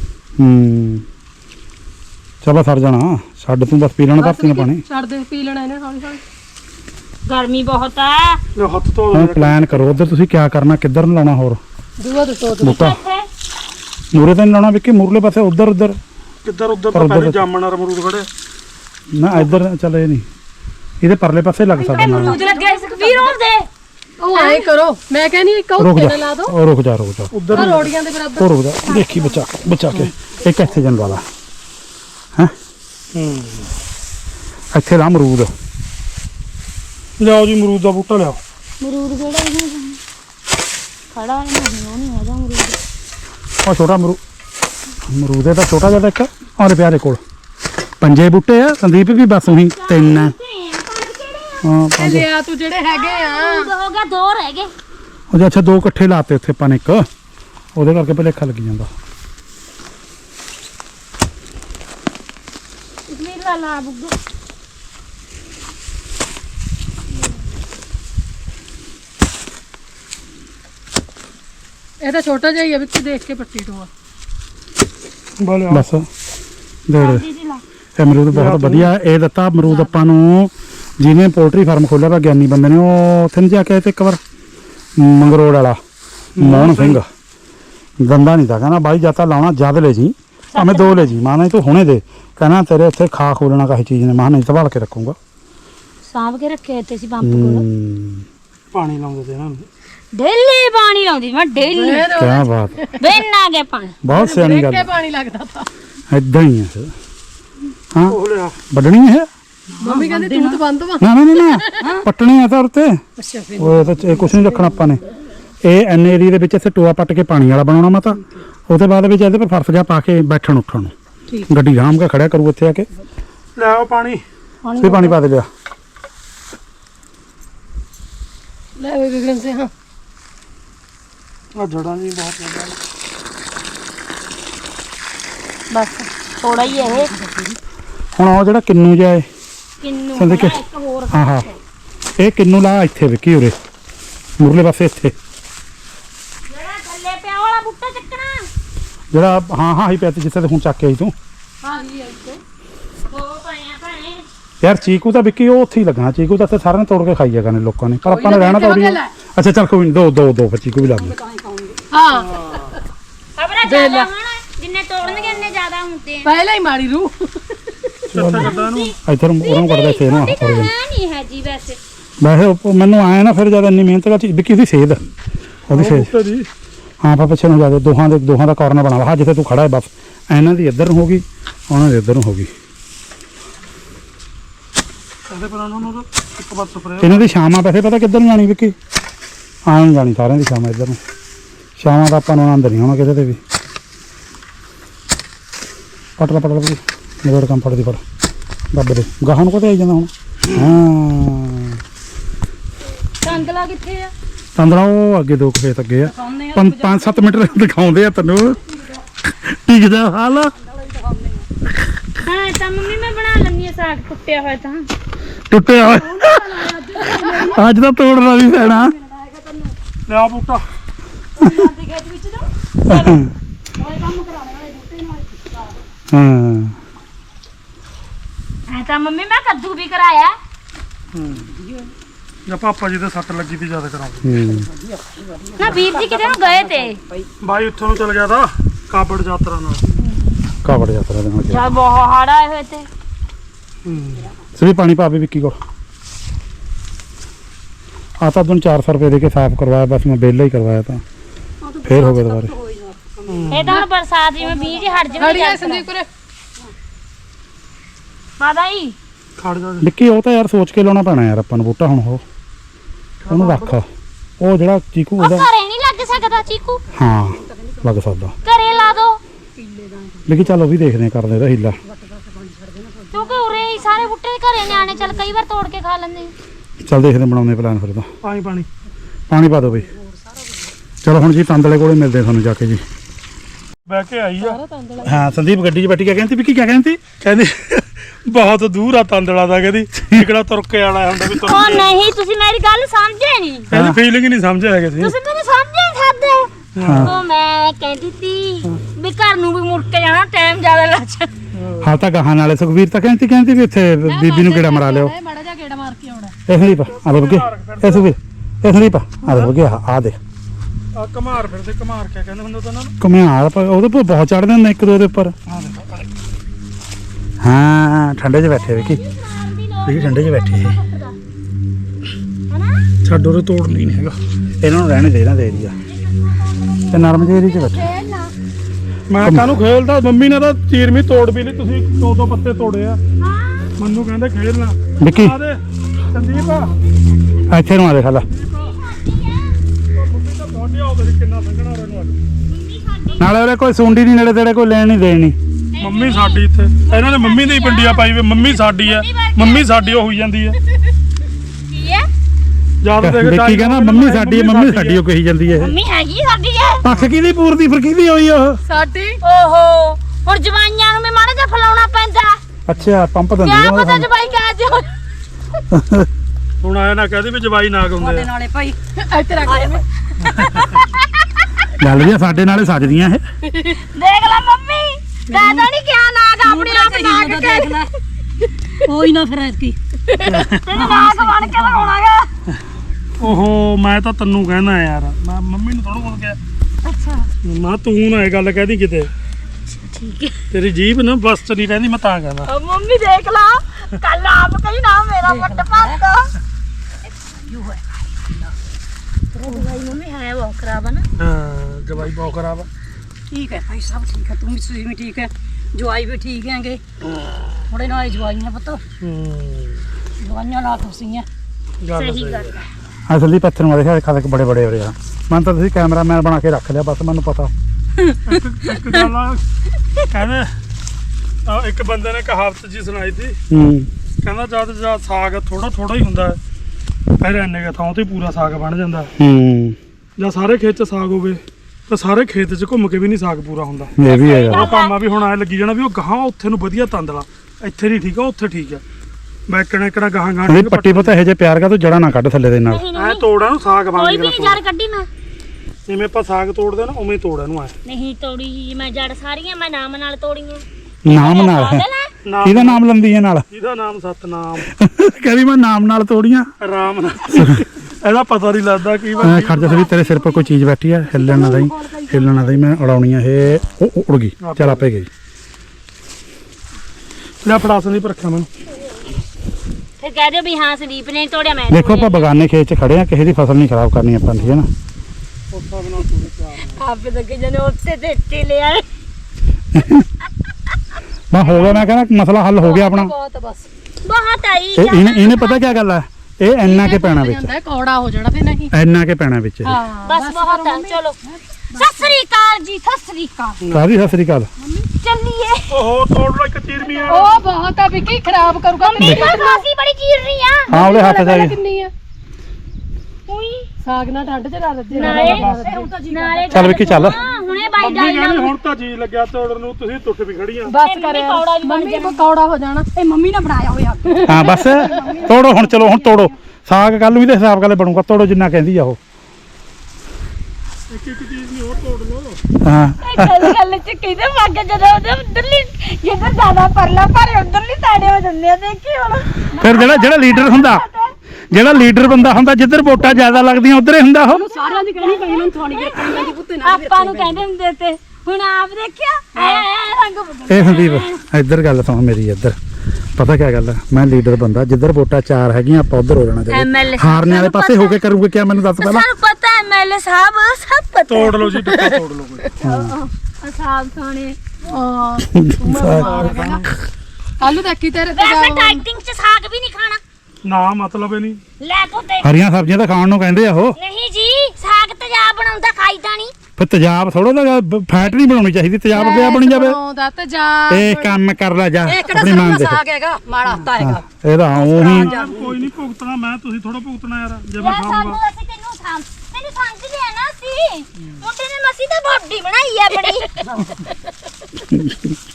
D: ਚਲੋ ਸਰ ਜਾਣਾ ਛੱਡ ਤੂੰ ਬਸ ਪੀ ਲੈਣਾ ਧਰਤੀ ਨਾਲ ਪਾਣੀ
A: ਛੱਡ ਦੇ ਪੀ ਲੈਣਾ ਇਹਨੇ ਹੌਲੀ ਹੌਲੀ
B: ਗਰਮੀ ਬਹੁਤ ਆ
E: ਲੈ ਹੱਥ ਧੋ
D: ਹੁਣ
E: ਲੈ
D: ਪਲਾਨ ਕਰੋ ਉਧਰ ਤੁਸੀਂ ਕਿਆ ਕਰਨਾ ਕਿੱਧਰ ਨੂੰ ਲਾਉਣਾ ਹੋਰ
A: ਦੂਆ ਦੱਸੋ
D: ਬੂਟਾ
B: ਇੱਥੇ
D: ਮੂਰੇ ਤਾਂ ਨਹੀਂ ਲਾਉਣਾ ਵਿੱਕੀ ਮੂਰਲੇ ਪਾਸੇ ਉਧਰ ਉਧਰ
E: ਕਿੱਧਰ ਉੱਧਰ
D: ਪਰ
E: ਤਾਂ
D: ਉੱਧਰ
E: ਪਹਿਲੇ ਜਾਮਣ ਔਰ ਅਮਰੂਦ ਖੜੇ
D: ਨਾ ਇੱਧਰ ਚੱਲ ਇਹ ਨਹੀਂ ਇਹਦੇ ਪਰਲੇ ਪਾਸੇ ਲੱਗ ਸਕਦਾ ਨਾਲ
B: ਮਰੂਦ ਲੱਗੇ ਸੁਖਵੀਰ ਹੋਰ ਦੇ
A: ਉਹ ਆਏ ਕਰੋ ਮੈਂ ਕਹਿੰਦੀ ਇੱਕ
D: ਰੁਕ
A: ਉੱਤੇ
D: ਜਾ
A: ਨਾ ਲਾ ਦੋ
D: ਉਹ ਰੁਕ ਜਾ ਰੁਕ ਜਾ
E: ਉੱਧਰ
A: ਆ ਰੋੜੀਆਂ ਦੇ ਬਰਾਬਰ
D: ਉਹ ਰੁਕ ਜਾ ਦੇਖੀ ਬਚਾ ਕੇ ਇੱਕ ਇੱਥੇ ਜਨ ਵਾਲਾ ਹੈ ਇੱਥੇ ਲਾ ਅਮਰੂਦ
E: ਲਿਆਓ ਜੀ ਅਮਰੂਦ ਦਾ ਬੂਟਾ ਲਿਆਓ
B: ਮਰੂਦ ਕਿਹੜਾ ਇਹ ਖੜਾ ਨਹੀਂ ਉਹ ਨਹੀਂ ਹੈਗਾ ਮਰੂਦ
D: ਉਹ ਛੋਟਾ ਅਮਰੂਦ ਹੈ ਤਾਂ ਛੋਟਾ ਜਿਹਾ ਇੱਕ ਔਰ ਪਿਆਰੇ ਕੋਲ ਪੰਜੇ ਬੂਟੇ ਆ ਸੰਦੀਪ ਵੀ ਬਸ ਉਹੀ ਤਿੰਨ ਆ ਹਾਂ
A: ਇਹ
D: ਪੰਜ
A: ਲਿਆ ਤੂੰ ਜਿਹੜੇ ਹੈਗੇ ਆ
B: ਮਰੂਦ ਹੋ ਗਿਆ ਦੋ ਰਹਿ ਗਏ
D: ਉਹ ਅੱਛਾ ਦੋ ਇਕੱਠੇ ਲਾਤੇ ਉੱਥੇ ਆਪਾਂ ਨੇ ਇੱਕ ਉਹਦੇ ਕਰਕੇ ਭੁਲੇਖਾ ਲੱਗੀ ਜਾਂਦਾ
B: ਸੁਖਵੀਰ ਵਾਲਾ ਬੁੱਗਾ
A: ਇਹ ਤਾਂ ਛੋਟਾ ਜਿਹਾ ਹੀ ਆ ਵਿੱਚ ਦੇਖ ਕੇ ਪੱਟੀ ਟੋਆ
E: ਬਾ ਲਿਆਓ
D: ਬਸ ਦੇ ਦੇ
B: ਜੀ ਲਾ
D: ਇਹ ਅਮਰੂਦ ਬਹੁਤ ਵਧੀਆ ਇਹ ਦਿੱਤਾ ਅਮਰੂਦ ਆਪਾਂ ਨੂੰ ਜਿਹਨੇ ਪੋਲਟਰੀ ਫਾਰਮ ਖੋਲਿਆ ਵਾ ਗਿਆਨੀ ਬੰਦੇ ਨੇ ਉਹ ਉੱਥੇ ਨੂੰ ਜਾ ਕੇ ਆਏ ਤੇ ਇੱਕ ਵਾਰ ਮੰਗਰੋੜ ਵਾਲਾ ਮੋਹਨ ਸਿੰਘ ਗੰਦਾ ਨਹੀਂ ਤਾਂ ਕਹਿੰਦਾ ਬਾਈ ਜਾਤਾ ਲਾਉਣਾ ਜਦ ਲੈ ਜੀ ਭਾਵੇਂ ਦੋ ਲੈ ਜੀ ਮਾਂ ਨਹੀਂ ਤੂੰ ਹੁਣੇ ਦੇ ਕਹਿੰਦਾ ਤੇਰੇ ਇੱਥੇ ਖਾ ਖੋਲਣਾ ਕਾਹੀ ਚੀਜ਼ ਨੇ ਮਾਂ ਨਹੀਂ ਸੰਭਾਲ ਕੇ ਰੱਖੂਗਾ
B: ਸਾਂਭ ਕੇ ਰੱਖੇ ਇੱਥੇ ਸੀ ਪੰਪ ਕੋਲ
E: ਪਾਣੀ ਲਾਉਂਦੇ ਤੇ ਇਹਨਾਂ ਨੂੰ
B: ਡੇਲੀ ਪਾਣੀ ਲਾਉਂਦੀ ਮੈਂ ਡੇਲੀ
D: ਕਿਆ ਬਾਤ
B: ਬਿਨ ਆ ਗਿਆ ਪਾਣੀ
D: ਬਹੁਤ ਸਿਆਣੀ
A: ਦੇਖ
D: ਗੱਲ
A: ਕੇ ਪਾਣੀ ਲੱਗਦਾ ਤਾ
D: ਏਦਾਂ ਹੀ ਹੈ ਫਿਰ। ਹਾਂ
E: ਉਹ ਲਿਆ
D: ਵੱਢਣੀ ਹੈ
A: ਮੰਮੀ ਕਹਿੰਦੀ ਤੂੰ ਤਾਂ ਬੰਦ ਵਾ
D: ਨਾ ਨਾ ਨਾ ਨਾ ਪੱਟਣੀ ਆ ਤਾਂ ਉੱਤੇ
A: ਅੱਛਾ ਫਿਰ
D: ਉਹ ਤਾਂ ਇਹ ਕੁਛ ਨਹੀਂ ਰੱਖਣਾ ਆਪਾਂ ਨੇ ਇਹ ਐਨ ਏਰੀਆ ਦੇ ਵਿੱਚ ਇੱਥੇ ਟੋਆ ਪੱਟ ਕੇ ਪਾਣੀ ਵਾਲਾ ਬਣਾਉਣਾ ਮਾਤਾ ਉਹਦੇ ਬਾਅਦ ਵਿੱਚ ਇਹਦੇ ਪਰ ਫਰਸ਼ ਜਾ ਪਾ ਕੇ ਬੈਠਣ ਉੱਠਣ ਨੂੰ
C: ਠੀਕ।
D: ਗੱਡੀ ਆਰਾਮ ਕੇ ਖੜਿਆ ਕਰੂ ਇੱਥੇ ਆ ਕੇ
E: ਲੈ ਆਓ ਪਾਣੀ
D: ਤੇ ਪਾਣੀ ਪਾ ਦੇ ਲਿਆ
A: ਲੈ ਵੇ ਗਗਨ ਸੇ ਹਾਂ
E: ਆ ਜੜਾਂ ਜੀ ਬਹੁਤ ਵਧੀਆ ਨੇ।
B: ਬਸ ਥੋੜਾ ਹੀ ਇਹ
D: ਹੁਣ ਉਹ ਜਿਹੜਾ ਕਿੰਨੂ ਜਿਹਾ ਹੈ
B: ਕਿੰਨੂ
D: ਸੰਦੇ ਕਿ-
B: ਇੱਕ ਹੋਰ
D: ਹਾਂ ਹਾਂ ਇਹ ਕਿੰਨੂ ਲਾ ਇੱਥੇ ਵਿੱਕੀ ਉਰੇ ਮੁਰਲੇ ਪਾਸੇ ਇੱਥੇ
B: ਜਿਹੜਾ ਥੱਲੇ ਪਿਆ ਵਾਲਾ ਬੁੱਟਾ ਚੱਕਣਾ
D: ਜਿਹੜਾ ਹਾਂ ਹਾਂ ਹੀ ਪਿਆ ਤੇ ਜਿੱਥੇ ਤੇ ਹੁਣ ਚੱਕ ਕੇ ਆਈ ਤੂੰ
A: ਹਾਂ ਜੀ ਇੱਥੇ
B: ਉਹ ਪਾਇਆ ਭਾਣੇ
D: ਯਾਰ ਚੀਕੂ ਤਾਂ ਵਿੱਕੀ ਉਹ ਉੱਥੇ ਹੀ ਲੱਗਣਾ ਚੀਕੂ ਤਾਂ ਇੱਥੇ ਸਾਰਿਆਂ ਨੇ ਤੋੜ ਕੇ ਖਾਈ ਜਾਗਾ ਨੇ ਲੋਕਾਂ ਨੇ ਪਰ ਆਪਾਂ ਨੇ ਰਹਿਣਾ ਤਾਂ ਉਰੀ ਅੱਛਾ ਚੱਲ ਕੋਈ ਨਹੀਂ ਦੋ ਫਿਰ ਚੀਕੂ ਵੀ ਲਾ ਦੇ
A: ਹਾਂ
B: ਖਬਰਾਂ ਜ਼ਿਆਦਾ ਹੋਣ ਜਿੰਨੇ ਤੋੜਨਗੇ ਇੰਨੇ ਜ਼ਿਆਦਾ ਹੁੰਦੇ ਆ
A: ਪਹਿਲਾਂ ਹੀ ਮਾਰੀ ਰੂ
E: ਕਿੱਥੇ ਕੱਢਾਂ ਨੂੰ
D: ਇੱਧਰ ਉਹਨਾਂ ਨੂੰ ਕੱਢਦਾ ਇੱਥੇ ਨਾ
B: ਹੈ ਨਹੀਂ ਹੈ ਜੀ ਵੈਸੇ
D: ਵੈਸੇ ਮੈਨੂੰ ਆਇਆ ਨਾ ਫਿਰ ਜਦ ਇੰਨੀ ਮਿਹਨਤ ਕਰ ਵਿੱਕੀ ਦੀ ਸੇਧ ਉਹਦੀ ਸੇਧ
E: ਬੂਟੇ ਦੀ
D: ਹਾਂ ਪਾ ਪਿੱਛੇ ਨੂੰ ਜਾ ਕੇ ਦੋਹਾਂ ਦਾ ਕਾਰਨਰ ਬਣਾ ਲਾ ਹਾਂ ਜਿੱਥੇ ਤੂੰ ਖੜਾ ਹੈ ਬਸ ਇਹਨਾਂ ਦੀ ਇੱਧਰ ਨੂੰ ਹੋ ਗਈ ਉਹਨਾਂ ਦੀ ਇੱਧਰ ਨੂੰ ਹੋ ਗਈ
E: ਉਹਦੇ ਪਰ ਉਹਨਾਂ ਨੂੰ ਇੱਕ ਵਾਰ ਸਪਰੇਅ
D: ਇਹਨਾਂ ਦੀ ਸ਼ਾਮਾਂ ਪੈਸੇ ਪਤਾ ਕਿੱਧਰ ਨੂੰ ਜਾਣੀ ਵਿੱਕੀ ਆਹ ਨੂੰ ਜਾਣੀ ਸਾਰਿਆਂ ਦੀ ਸ਼ਾਮਾਂ ਇੱਧਰ ਨੂੰ ਸ਼ਾਮਾਂ ਦਾ ਆਪਾਂ ਨੂੰ ਅੰਦਰ ਨਹੀਂ ਆਉਣਾ ਕਿਤੇ ਤੇ ਵੀ ਪਟ ਲਾ ਵੀ ਮੇਰੇ ਕੰਮ ਫੜ ਦੀ ਫੜ ਦੱਬ ਦੇ ਗਾਹਾਂ ਨੂੰ ਕੋਤੇ ਆਈ ਜਾਂਦਾ ਹੁਣ ਹਾਂ
B: ਕੰਗਲਾ ਕਿੱਥੇ ਆ
D: ਤੰਦਰਾ ਉਹ ਅੱਗੇ 2 ਖੇਤ ਅੱਗੇ ਆ 5-7 ਮਿੰਟ ਦਿਖਾਉਂਦੇ ਆ ਤੈਨੂੰ ਠੀਕ ਜਾ ਹਾਲ
B: ਹਾਂ ਤਾਂ ਮੰਮੀ ਮੈਂ ਬਣਾ ਲੈਣੀ ਆ ਸਾਗ ਟੁੱਟਿਆ ਹੋਇਆ ਤਾਂ
D: ਟੁੱਟਿਆ ਹੋਇਆ ਅੱਜ ਤਾਂ ਤੋੜਨਾ ਵੀ ਪੈਣਾ
E: ਲੈ ਆ ਬੂਟਾ
D: ਹਾਂ
B: ਐ ਤਾਂ ਮੰਮੀ ਮੈਂ ਕੱਦੂ ਵੀ ਕਰਾਇਆ
E: ਜਾਂ ਪਾਪਾ ਜੀ ਦੇ ਸੱਟ ਲੱਗੀ ਤੀ ਜ਼ਿਆਦਾ ਕਰਾਉਂਦੇ
B: ਨਾ ਵੀਰ ਜੀ ਕਿਤੇ ਨੂੰ ਗਏ ਤੇ
E: ਬਾਈ ਉੱਥੋਂ ਨੂੰ ਚਲ ਗਿਆ ਤਾਂ ਕਾਬੜ ਯਾਤਰਾ ਨਾਲ
D: ਕਾਵੜ ਯਾਤਰਾ ਦੇ ਨਾਲ
B: ਯਾਰ ਬਹੁਤ ਹੜ ਆਏ ਹੋਏ ਤੇ
D: ਸभी ਪਾਣੀ ਪਾ ਵੀ ਵਿੱਕੀ ਕੋਲ ਆ ਤਾਂ ਤੁਹਾਨੂੰ 400 ਰੁਪਏ ਦੇ ਕੇ ਸਾਫ਼ ਕਰਵਾਇਆ ਬਸ ਮੈਂ ਬਿੱਲ ਹੀ ਕਰਵਾਇਆ ਤਾਂ ਫੇਰ ਹੋ ਗਿਆ ਦੁਬਾਰੇ
B: ਇਹ ਤਾਂ ਹੁਣ ਬਰਸਾਤ ਜਿਵੇਂ ਮੀਂਹ ਜੀ ਹਟ
A: ਖੜੀ ਆ
B: ਜਾਵੇ
A: ਸੰਦੀਪ ਕੁਰੇ
B: ਮਾਦਾ ਹੀ
E: ਖੜ ਜਾ
D: ਵਿੱਕੀ ਉਹ ਤਾਂ ਯਾਰ ਸੋਚ ਕੇ ਲਾਉਣਾ ਪੈਣਾ ਯਾਰ ਆਪਾਂ ਨੂੰ ਬੂਟਾ ਹੁਣ ਉਹਨੂੰ ਰੱਖ ਉਹ ਜਿਹੜਾ ਚੀਕੂ
B: ਉਹ
D: ਉਹਦਾ
B: ਘਰੇ ਨਹੀਂ ਲੱਗ ਸਕਦਾ ਚੀਕੂ
D: ਹਾਂ ਲੱਗ ਸਕਦਾ
B: ਘਰੇ ਲਾ ਦੋ
D: ਲੇਕਿਨ ਚੱਲ ਉਹ ਵੀ ਦੇਖਦੇ ਆ ਕਰਦੇ ਇਹਦਾ ਹੀਲਾ
B: ਕਿਉਂਕਿ ਉਰੇ ਹੀ ਸਾਰੇ ਬੁੱਟੇ ਦੇ ਘਰੇ ਨਿਆਣੇ ਚੱਲ ਕਈ ਵਾਰ ਤੋੜ ਕੇ ਖਾ ਲੈਂਦੇ
D: ਚੱਲ ਦੇਖਦੇ ਬਣਾਉਂਦੇ ਪਲਾਨ ਫਿਰ ਤਾਂ
E: ਪਾਣੀ
D: ਪਾਣੀ ਪਾ ਦਿਓ ਬਈ ਚਲੋ ਹੁਣ ਜੀ ਤੰਦਲੇ ਕੋਲੇ ਮਿਲਦੇ ਆ ਤੁਹਾਨੂੰ ਜਾ ਕੇ ਜੀ
E: ਬਹਿ ਕੇ ਆਈ ਆ
D: ਹਾਂ ਸੰਦੀਪ ਗੱਡੀ 'ਚ ਬੈਠੀ ਕਿਆ ਕਹਿੰਦੀ ਵਿੱਕੀ ਕਿਆ ਕਹਿੰਦੀ
E: ਕਹਿੰਦੀ ਬਹੁਤ ਦੂਰ ਆ ਤੰਦਲਾ ਦਾ ਕਹਿੰਦੀ ਟਿਕੜਾ ਤੁਰ ਕੇ ਆਣਾ ਹੁੰਦਾ ਵੀ ਤੁਰ
B: ਉਹ ਨਹੀਂ ਤੁਸੀਂ ਮੇਰੀ ਗੱਲ ਸਮਝੇ ਨਹੀਂ
E: ਇਹਦੀ ਫੀਲਿੰਗ ਨਹੀਂ ਸਮਝ ਆਇਆ ਕਿਸੇ
B: ਤੁਸੀਂ ਮੈਨੂੰ ਸਮਝੇ ਨਹੀਂ ਸਕਦੇ
D: ਹਾਂ
B: ਉਹ ਮੈਂ ਕਹਿੰਦੀ ਸੀ ਵੀ ਘਰ ਨੂੰ ਵੀ ਮੁੜ ਕੇ ਜਾਣਾ ਟਾਈਮ ਜ਼ਿਆਦਾ ਲੱਗ ਜਾਂਦਾ
D: ਹਾਂ ਤਾਂ ਗਾਹਾਂ ਨਾਲੇ ਸੁਖਵੀਰ ਤਾਂ ਕਹਿੰਦੀ ਵੀ ਇੱਥੇ ਬੀਬੀ ਨੂੰ ਕਿਹੜਾ ਮਰਾ ਲਿਓ
A: ਮਾੜਾ ਜਿਹਾ ਗੇੜਾ ਮਾਰ ਕੇ ਆਉਣਾ
D: ਇਹ ਸੰਦੀਪ ਆ ਦੇ ਬੱਗੇ ਇਹ ਸੁਖਵੀਰ ਇਹ ਸੰਦੀਪ ਆ ਦੇ ਬੱਗੇ ਆ ਦੇ
E: ਆ ਘਮਾਰ ਫਿਰਦੇ ਘਮਾਰ ਕਿਆ ਕਹਿੰਦੇ ਹੁੰਦੇ ਉਹਨਾਂ ਨੂੰ
D: ਘੁਮਿਆਰ ਪਰ ਉਹਦੇ ਉੱਪਰ ਬਹੁਤ ਚੜਦੇ ਹੁੰਦੇ ਇੱਕ ਦੋ ਦੇ ਉੱਪਰ ਹਾਂ ਠੰਡੇ 'ਚ ਬੈਠੇ ਵਿੱਕੀ ਵਿੱਕੀ ਠੰਡੇ 'ਚ ਬੈਠੇ ਛੱਡ ਉਰੇ ਤੋੜਨੀ ਨਹੀਂ ਹੈਗਾ ਇਹਨਾਂ ਨੂੰ ਰਹਿਣੇ ਦੇ ਇਹਨਾਂ ਦੇ ਏਰੀਆ ਤੇ ਨਰਮ ਜਿਹੇ ਏਰੀਏ 'ਚ ਬੈਠੇ
E: ਮੈਂ ਕਾਹਨੂੰ ਖੇਲਦਾ ਮੰਮੀ ਨੇ ਤਾਂ ਚੀਰਮੀ ਤੋੜ ਵੀ ਲਈ ਤੁਸੀਂ ਦੋ ਪੱਤੇ ਤੋੜੇ ਆ ਮੈਨੂੰ ਕਹਿੰਦੇ ਖੇਲਣਾ
D: ਵਿੱਕੀ
E: ਆ ਦੇ ਸੰਦੀਪ
D: ਇੱਥੇ ਨੂੰ ਆ ਦੇਖ ਲਾ
E: ਮੰਮੀ ਤਾਂ ਤੁਹਾਡੀ ਆਉਂਦੇ ਸੀ ਕਿੰਨਾ ਸੰਘਣਾ ਉਹਨਾਂ ਨੂੰ ਅੱਜ
D: ਨਾਲੇ ਉਹਦੇ ਕੋਈ ਸੁੰਡੀ ਨਹੀਂ ਨੇੜੇ ਤੇੜੇ ਕੋਈ ਲੈਣ ਨਹੀਂ ਦੇਣੀ
E: ਮੰਮੀ ਸਾਡੀ ਇੱਥੇ ਇਹਨਾਂ ਨੇ ਮੰਮੀ ਦੀ ਪਿੰਡੀਆਂ ਪਾਈ ਵੇ ਮੰਮੀ ਸਾਡੀ ਆ ਮੰਮੀ ਸਾਡੀ ਉਹ ਹੋਈ ਜਾਂਦੀ ਆ
B: ਕੀ ਹੈ
E: ਜਦ ਦੇਖ
D: ਵਿੱਕੀ ਕਹਿੰਦਾ ਮੰਮੀ ਸਾਡੀ ਹੈ ਮੰਮੀ ਸਾਡੀ ਉਹ ਕਹੀ ਜਾਂਦੀ ਹੈ ਇਹ
B: ਮੰਮੀ ਹੈਗੀ ਸਾਡੀ ਹੈ
D: ਪੱਖ ਕਿਹਦੀ ਪੂਰਦੀ ਫਿਰ ਕਿਹਦੀ ਹੋਈ ਉਹ
A: ਸਾਡੀ
B: ਓਹੋ ਹੁਣ ਜਵਾਈਆਂ ਨੂੰ ਵੀ ਮਾੜਾ ਜਿਹਾ ਫਲਾਉਣਾ ਪੈਂਦਾ
D: ਅੱਛਾ ਪੰਪ ਦਿੰਦੀ
B: ਕਿਆ
D: ਆ
B: ਪਤਾ ਜਵਾਈ ਕਾ ਜੋ
E: ਹੁਣ ਆਇਆ ਨਾ ਕਹਦੇ ਵੀ ਜਵਾਈ ਨਾਗ ਹੁੰਦੇ
C: ਸਾਡੇ
E: ਆ
C: ਨਾਲੇ ਭਾਈ
A: ਇੱਥੇ ਰੱਖ ਲੈ
D: ਗੱਲ ਵੀ ਆ ਸਾਡੇ ਨਾਲੇ ਸੱਜਦੀਆਂ ਇਹ
B: ਦੇਖ ਲੈ ਮੰਮੀ ਕਹਿਦਾ ਨਹੀਂ ਕਿਆ ਨਾਗ ਆਪਣੇ ਆਪ ਨਾਗ
C: ਦੇਖ
B: ਕੇ
C: ਲੈ ਕੋਈ ਨਾ ਫਿਰ ਐਤਕੀ
B: ਤੈਨੂੰ ਨਾਗ ਬਣ ਕੇ ਲਗਾਉਣਾਗਾ
E: ਓਹੋ ਮੈਂ ਤਾਂ ਤੈਨੂੰ ਕਹਿਣਾ ਯਾਰ ਮੈਂ ਮੰਮੀ ਨੂੰ ਥੋੜਾ ਬੋਲ ਗਿਆ
B: ਅੱਛਾ
E: ਮੈਂ ਤੂੰ ਨਾ ਇਹ ਗੱਲ ਕਹਿਦੀ ਕਿਤੇ
B: ਠੀਕ ਹੈ
E: ਤੇਰੀ ਜੀਭ ਨਾ ਬਸ ਚ ਨਹੀਂ ਰਹਿੰਦੀ ਮੈਂ ਤਾਂ ਕਹਿੰਦਾ
B: ਮੰਮੀ ਦੇਖ ਲਾ ਕੱਲ ਆਪ ਕਹੀ ਨਾ ਮੇਰਾ ਪੱਟ ਭੰਦਾ ਜਵਾਈ ਮੰਮੀ ਹੈ ਬਹੁਤ ਖਰਾਬ ਹੈ ਨਾ
E: ਹਾਂ ਜਵਾਈ ਬਹੁਤ ਖਰਾਬ ਆ
C: ਠੀਕ ਹੈ ਭਾਈ ਸਭ ਠੀਕ ਹੈ ਤੂੰ ਵੀ ਠੀਕ ਹੈ ਜਵਾਈ ਵੀ ਠੀਕ ਹੈਗੇ ਥੋੜੇ ਨਾਲ ਜਵਾਈਆਂ ਪੁੱਤ ਜਵਾਈਆਂ ਨਾਲ ਤੁਸੀਂ ਆ
E: ਗੱਲ
B: ਸਹੀ
E: ਸਹੀ
B: ਗੱਲ
E: ਹੈ
B: ਹੈ
D: ਅਸਲੀ ਪੱਥਰ ਨੂੰ ਦੇਖਿਆ ਖਾਦੇ ਬੜੇ ਬੜੇ ਹੋ ਰਹੇ ਆ ਮੈਂ ਤਾਂ ਤੁਸੀਂ ਕੈਮਰਾਮੈਨ ਬਣਾ ਕੇ ਰੱਖ ਲਿਆ ਬਸ ਮੈਨੂੰ ਪਤਾ।
E: ਇੱਕ ਗੱਲ ਆ ਕਹਿੰਦੇ ਇੱਕ ਬੰਦੇ ਨੇ ਕਹਾਵਤ ਜੀ ਸੁਣਾਈ ਸੀ, ਕਹਿੰਦਾ ਜਦ ਸਾਗ ਥੋੜਾ ਥੋੜਾ ਹੀ ਹੁੰਦਾ ਹੈ ਫਿਰ ਇੰਨੇ ਕੁ ਥਾਂ ਤੇ ਪੂਰਾ ਸਾਗ ਬਣ ਜਾਂਦਾ ਹੈ। ਜਾਂ ਸਾਰੇ ਖੇਤ 'ਚ ਸਾਗ ਹੋਵੇ ਤਾਂ ਸਾਰੇ ਖੇਤ 'ਚ ਘੁੰਮ ਕੇ ਵੀ ਨਹੀਂ ਸਾਗ ਪੂਰਾ ਹੁੰਦਾ।
D: ਇਹ ਵੀ ਹੈ
E: ਉਹ ਕੰਮ ਆ ਵੀ ਹੁਣ ਐ ਲੱਗੀ ਜਾਣਾ ਵੀ ਉਹ ਗਾਹਾਂ ਉੱਥੇ ਨੂੰ ਵਧੀਆ ਤੰਦਲਾ, ਇੱਥੇ ਨਹੀਂ ਠੀਕ ਆ ਉੱਥੇ ਠੀਕ ਆ। ਮੈਂ ਕਿਹੜਾ ਗਾਹਾਂ ਗਾਹਾਂ
D: ਇਹ ਪੱਟੀ ਪਤਾ ਇਹ ਜੇ ਪਿਆਰ ਕਾ ਤੂੰ ਜੜਾ ਨਾ ਕੱਢ ਥੱਲੇ ਦੇ ਨਾਲ
E: ਐ ਤੋੜਾਂ ਨੂੰ ਸਾਗ ਬਣ
B: ਕੋਈ ਵੀ
E: ਗਿਆ।
B: ਨਹੀਂ ਜੜ ਕੱਢੀ ਮੈਂ
E: ਜਿਵੇਂ ਆਪਾਂ ਸਾਗ ਤੋੜਦੇ ਨਾ ਉਵੇਂ ਤੋੜਿਆ ਨੂੰ ਐ।
B: ਨਹੀਂ ਤੋੜੀ ਜੀ ਮੈਂ ਜੜ ਸਾਰੀਆਂ ਮੈਂ ਨਾਮ ਨਾਲ ਤੋੜੀਆਂ।
D: ਨਾਮ ਨਾਲ ਹੈ
E: ਨਾਮ
D: ਕਿਹਦਾ ਨਾਮ ਲੰਦੀ ਹੈ ਨਾਲ
E: ਇਹਦਾ ਨਾਮ ਸਤਨਾਮ
D: ਕਹਿੰਦੀ ਮੈਂ ਨਾਮ ਨਾਲ ਤੋੜੀਆਂ
E: ਆਰਾਮ ਨਾਲ ਇਹਦਾ ਪਤਾ ਨਹੀਂ ਲੱਗਦਾ ਕੀ
D: ਐ ਖੜ ਜਾ ਵੀ ਤੇਰੇ ਸਿਰ 'ਤੇ ਕੋਈ ਚੀਜ਼ ਬੈਠੀ ਹੈ ਹਿੱਲਣ ਨਾ ਦਈ ਹਿੱਲਣ ਨਾ ਦਈ ਮੈਂ ਉਡਾਉਣੀ ਆ ਇਹ ਉਹ ਉੜ ਗਈ ਚੱਲ ਆਪੇ ਗਈ।
E: ਲੈ ਫੜਾ ਸੰਦੀਪ ਰੱਖਿਆ ਮੈਨੂੰ।
B: ਫਿਰ ਕਹਿ ਦਿਓ ਵੀ ਹਾਂ ਸੰਦੀਪ ਨੇ ਤੋੜਿਆ ਮੈਂ
D: ਦੇਖੋ ਆਪਾਂ ਬਗਾਨੇ ਖੇਤ 'ਚ ਖੜੇ ਆ ਕਿਸੇ ਦੀ ਫਸਲ ਨਹੀਂ ਖਰਾਬ ਕਰਨੀ ਆਪਾਂ ਠੀਕ ਹੈ ਨਾ।
B: ਆਪੇ ਤਾਂ ਕਿ ਜਨੇ ਉੱਤੇ ਤੇ ਇੱਥੇ ਲੈ ਆਏ।
D: ਮੈਂ ਹੋ ਗਿਆ ਮੈਂ ਕਹਿੰਦਾ ਮਸਲਾ ਹੱਲ ਹੋ ਗਿਆ ਆਪਣਾ।
A: ਬਹੁਤ ਬਸ
B: ਬਹੁਤ ਆਈ
D: ਇਹਨੇ ਪਤਾ ਕੀ ਗੱਲ ਹੈ ਇਹ ਇੰਨਾ ਕੇ ਪੈਣਾ ਵਿੱਚ
A: ਜਾਂਦਾ ਕੌੜਾ ਹੋ ਜਾਣਾ ਤੇ ਨਹੀਂ।
D: ਇੰਨਾ ਕੇ ਪੈਣਾ ਵਿੱਚ
A: ਹਾਂ
B: ਬਸ ਬਹੁਤ ਆ ਚਲੋ। ਸਤਿ ਸ੍ਰੀ ਅਕਾਲ ਜੀ, ਸਤਿ ਸ੍ਰੀ ਅਕਾਲ।
D: ਕਾਹਦੀ ਸਤਿ ਸ੍ਰੀ ਅਕਾਲ
B: ਚੱਲੀਏ।
E: ਓਹੋ ਤੋੜ ਲੋ ਇੱਕ ਚੀਰਮੀ ਆ।
A: ਉਹ ਬਹੁਤ ਆ ਵਿੱਕੀ ਖਰਾਬ ਕਰੂਗਾ।
B: ਮੰਮੀ ਕੋਲ ਖਾਸੀ ਬੜੀ ਚੀਰ ਰਹੀ ਆ।
D: ਹਾਂ ਉਹਦੇ ਹੱਥ 'ਚ ਆ ਗਈ
A: ਕਿੰਨੀ ਆ
B: ਉਈ
A: ਸਾਗ ਨਾਲ ਠੰਡ ਚ ਲਾ ਲੱਦੇ
B: ਨਾਲੇ
D: ਚੱਲ ਵਿੱਕੀ ਚੱਲ।
B: ਹਾਂ ਹੁਣੇ ਬਾਈ
E: ਮੰਮੀ
B: ਡਾਈ
E: ਕਹਿੰਦੀ ਹੁਣ ਤਾਂ ਜੀ ਲੱਗਿਆ ਤੋੜਨ ਨੂੰ ਤੁਸੀਂ ਟੁੱਟ ਵੀ ਖੜੀਆਂ।
A: ਬਸ ਕਰਿਆ ਮੰਮੀ ਕੋ ਕੌੜਾ ਹੋ ਜਾਣਾ।
C: ਇਹ ਮੰਮੀ ਨੇ ਬਣਾਇਆ ਹੋਇਆ
D: ਹਾਂ ਬਸ ਤੋੜੋ ਹੁਣ ਚਲੋ ਹੁਣ ਤੋੜੋ ਸਾਗ ਕੱਲ ਵੀ ਤੇ ਹਿਸਾਬ ਕਾਲੇ ਬਣੂਗਾ ਤੋੜੋ ਜਿੰਨਾ ਕਹਿੰਦੀ ਆ ਉਹ।
E: ਇੱਕ ਇੱਕ ਚੀਜ਼ ਨਹੀਂ ਹੋਰ ਤੋੜ ਲੋ।
D: ਹਾਂ
B: ਗੱਲ ਚ ਕਿਹਦੇ ਮੱਗ ਜਦੋਂ ਉਹਦੇ ਉਧਰਲੀ ਜਿੱਧਰ ਜ਼ਿਆਦਾ ਪਰਲਾ ਭਾਰੇ ਉਧਰਲੀ ਸਾਈਡ ਹੋ ਜਾਂਦੇ ਆ। ਦੇਖੀ ਹੁਣ
D: ਫਿਰ ਜਿਹੜਾ ਲੀਡਰ ਹੁੰਦਾ ਜਿਹੜਾ ਲੀਡਰ ਬੰਦਾ ਹੁੰਦਾ ਜਿੱਧਰ ਵੋਟਾਂ ਜ਼ਿਆਦਾ ਲੱਗਦੀਆਂ ਉਧਰ ਹੀ ਹੁੰਦਾ ਉਹ।
C: ਸਾਰਿਆਂ ਦੀ ਕਹਿਣੀ ਪਈ ਮੈਨੂੰ ਥੋੜੀ ਜਿਹੀ ਰੱਖਣੀ ਪੈਂਦੀ ਪੁੱਤੇ ਨਾਲ
B: ਆਪਾਂ ਨੂੰ ਕਹਿੰਦੇ ਹੁੰਦੇ ਤੇ ਹੁਣ ਆਪ ਦੇਖਿਆ ਐ ਰੰਗ ਬਦਲ।
D: ਇਹ ਸੰਦੀਪ ਇੱਧਰ ਗੱਲ ਸੁਣ ਮੇਰੀ ਇੱਧਰ ਪਤਾ ਕੀ ਗੱਲ ਹੈ ਮੈਂ ਲੀਡਰ ਬੰਦਾ ਜਿੱਧਰ ਵੋਟਾਂ 4 ਹੈਗੀਆਂ ਆਪਾਂ ਉਧਰ ਹੋ ਜਾਣਾ ਚਾਹੀਦਾ। ਹਾਰਨੇ ਵਾਲੇ ਪਾਸੇ ਹੋ ਕੇ ਕਰੂਗੇ ਕਿਆ ਮੈਨੂੰ ਦੱਸ ਪਹਿਲਾਂ।
B: ਸਾਨੂੰ ਪਤਾ ਐਮਐਲਏ ਸਾਹਿਬ ਸਭ ਪਤਾ।
E: ਤੋੜ ਲੋ ਜੀ ਟੁੱਟਾ ਤੋੜ ਲੋ ਕੋਈ।
B: ਸਾਹਿਬ ਖਾਣੇ
A: ਕੱਲ ਦੇਖੀ ਤੇਰੇ ਤੇ
B: ਵੈਸੇ ਡਾਈਟਿੰਗ ਚ ਸਾਗ ਵੀ ਨਹੀਂ ਖਾਣਾ।
E: ਨਾ ਮਤਲਬ ਹੀ ਨਹੀਂ।
B: ਲੈ ਪੁੱਤੇ
D: ਹਰੀਆਂ ਸਬਜ਼ੀਆਂ ਤਾਂ ਖਾਣ ਨੂੰ ਕਹਿੰਦੇ ਆ ਉਹ।
B: ਨਹੀਂ ਜੀ ਸਾਗ ਤੇਜ਼ਾਬ ਬਣਾਉਂਦਾ ਖਾਈਦਾ ਨਹੀਂ।
D: ਫਿਰ ਤੇਜ਼ਾਬ ਥੋੜਾ ਦਾ ਫੈਟ ਨਹੀਂ ਬਣਾਉਣੀ ਚਾਹੀਦੀ ਤੇਜ਼ਾਬ ਪਿਆ ਬਣੀ ਜਾਵੇ।
A: ਬਣਾਉਂਦਾ ਤੇ ਜਾ
D: ਇਹ ਕੰਮ ਕਰ ਲੈ ਜਾ
C: ਇਹ ਕਿਹੜਾ
D: ਆਪਣੀ ਮਾਂ ਦੇ
C: ਸਾਗ ਹੈਗਾ ਮਾੜਾ ਹੱਤਾ ਹੈਗਾ।
D: ਇਹਦਾ ਉਹੀ
E: ਕੋਈ ਨਹੀਂ ਭੁਗਤਣਾ ਮੈਂ ਤੁਸੀਂ ਥੋੜਾ ਭੁਗਤਣਾ ਯਾਰ ਜੇ ਮੈਂ
B: ਯਾਰ ਸਾਨੂੰ
E: ਖਾਊਂਗਾ।
B: ਅਸੀਂ ਤੈਨੂੰ ਸਮਝ ਲਿਆ ਨਾ ਸੀ ਮੁੰਡੇ ਨੇ ਮਸੀ ਤਾਂ ਬੋਡੀ ਬਣਾਈ ਆ ਬੜੀ।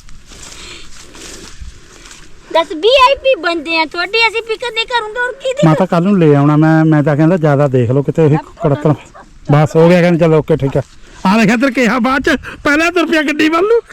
B: ਦੱਸ ਵੀਆਈਪੀ ਬੰਦੇ ਆ ਤੁਹਾਡੇ ਅਸੀਂ ਫਿਕਰ ਨਹੀਂ ਕਰੂੰਗੇ ਹੋਰ ਕੀ
D: ਮੈਂ ਤਾਂ ਕੱਲ ਨੂੰ ਲੈ ਆਉਣਾ ਮੈਂ ਤਾਂ ਕਹਿੰਦਾ ਜ਼ਿਆਦਾ ਦੇਖ ਲਓ ਕਿਤੇ ਇਹ ਕੜਤਣ ਬਸ ਹੋ ਗਿਆ ਕਹਿੰਦੇ ਚਲੋ ਓਕੇ ਠੀਕ ਆ। ਆ ਦੇਖ ਇੱਧਰ ਕਿਹਾ ਬਾਅਦ ਚ ਪਹਿਲਾਂ ਤਾਂ ਰੁਪਿਆ ਗੱਡੀ ਵੱਲ ਨੂੰ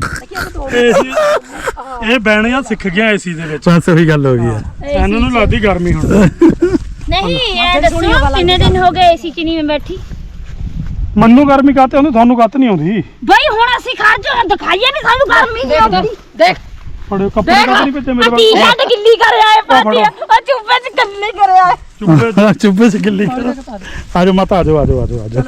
E: ਇਹ ਬੈਣੀਆਂ ਸਿੱਖ ਗਿਆ ਏਸੀ ਦੇ ਵਿੱਚ।
D: ਬਸ ਉਹੀ ਗੱਲ ਹੋ ਗਈ ਆ।
E: ਇਹਨਾਂ ਨੂੰ ਲੱਗਦੀ ਗਰਮੀ ਹੁਣ।
B: ਨਹੀਂ ਇਹ ਦੱਸੋ ਕਿੰਨੇ ਦਿਨ ਹੋ ਗਏ ਏਸੀ ਚ ਨਹੀਂ ਮੈਂ ਬੈਠੀ।
E: ਮੰਨੂ ਗਰਮੀ ਕਾਤੇ ਉਹਨੂੰ ਤੁਹਾਨੂੰ ਕੱਤ ਨਹੀਂ ਆਉਂਦੀ।
B: ਬਈ ਹੁਣ ਅਸੀਂ ਖੜ ਜੋ ਦਿਖਾਈਏ ਵੀ ਸਾਨੂੰ ਗਰਮੀ ਨਹੀਂ ਆਉਂਦੀ।
A: ਦੇਖ
E: ਫੜਿਓ ਕੱਪੜੇ ਕੱਤ ਨਹੀਂ ਭੇਜੇ ਮੇਰੇ
B: ਟੀ ਸ਼ਰਟ ਗਿੱਲੀ ਕਰ ਆਏ ਪਾਤੀ ਉਹ ਚੁੱਪੇ ਚ ਗੱਲੇ ਕਰ ਆਏ।
E: ਚੁੱਪੇ
D: ਚੁੱਪੇ ਸੀ ਗਿੱਲੀ ਆਜੋ ਮਾਤਾ ਆਜੋ ਆਜੋ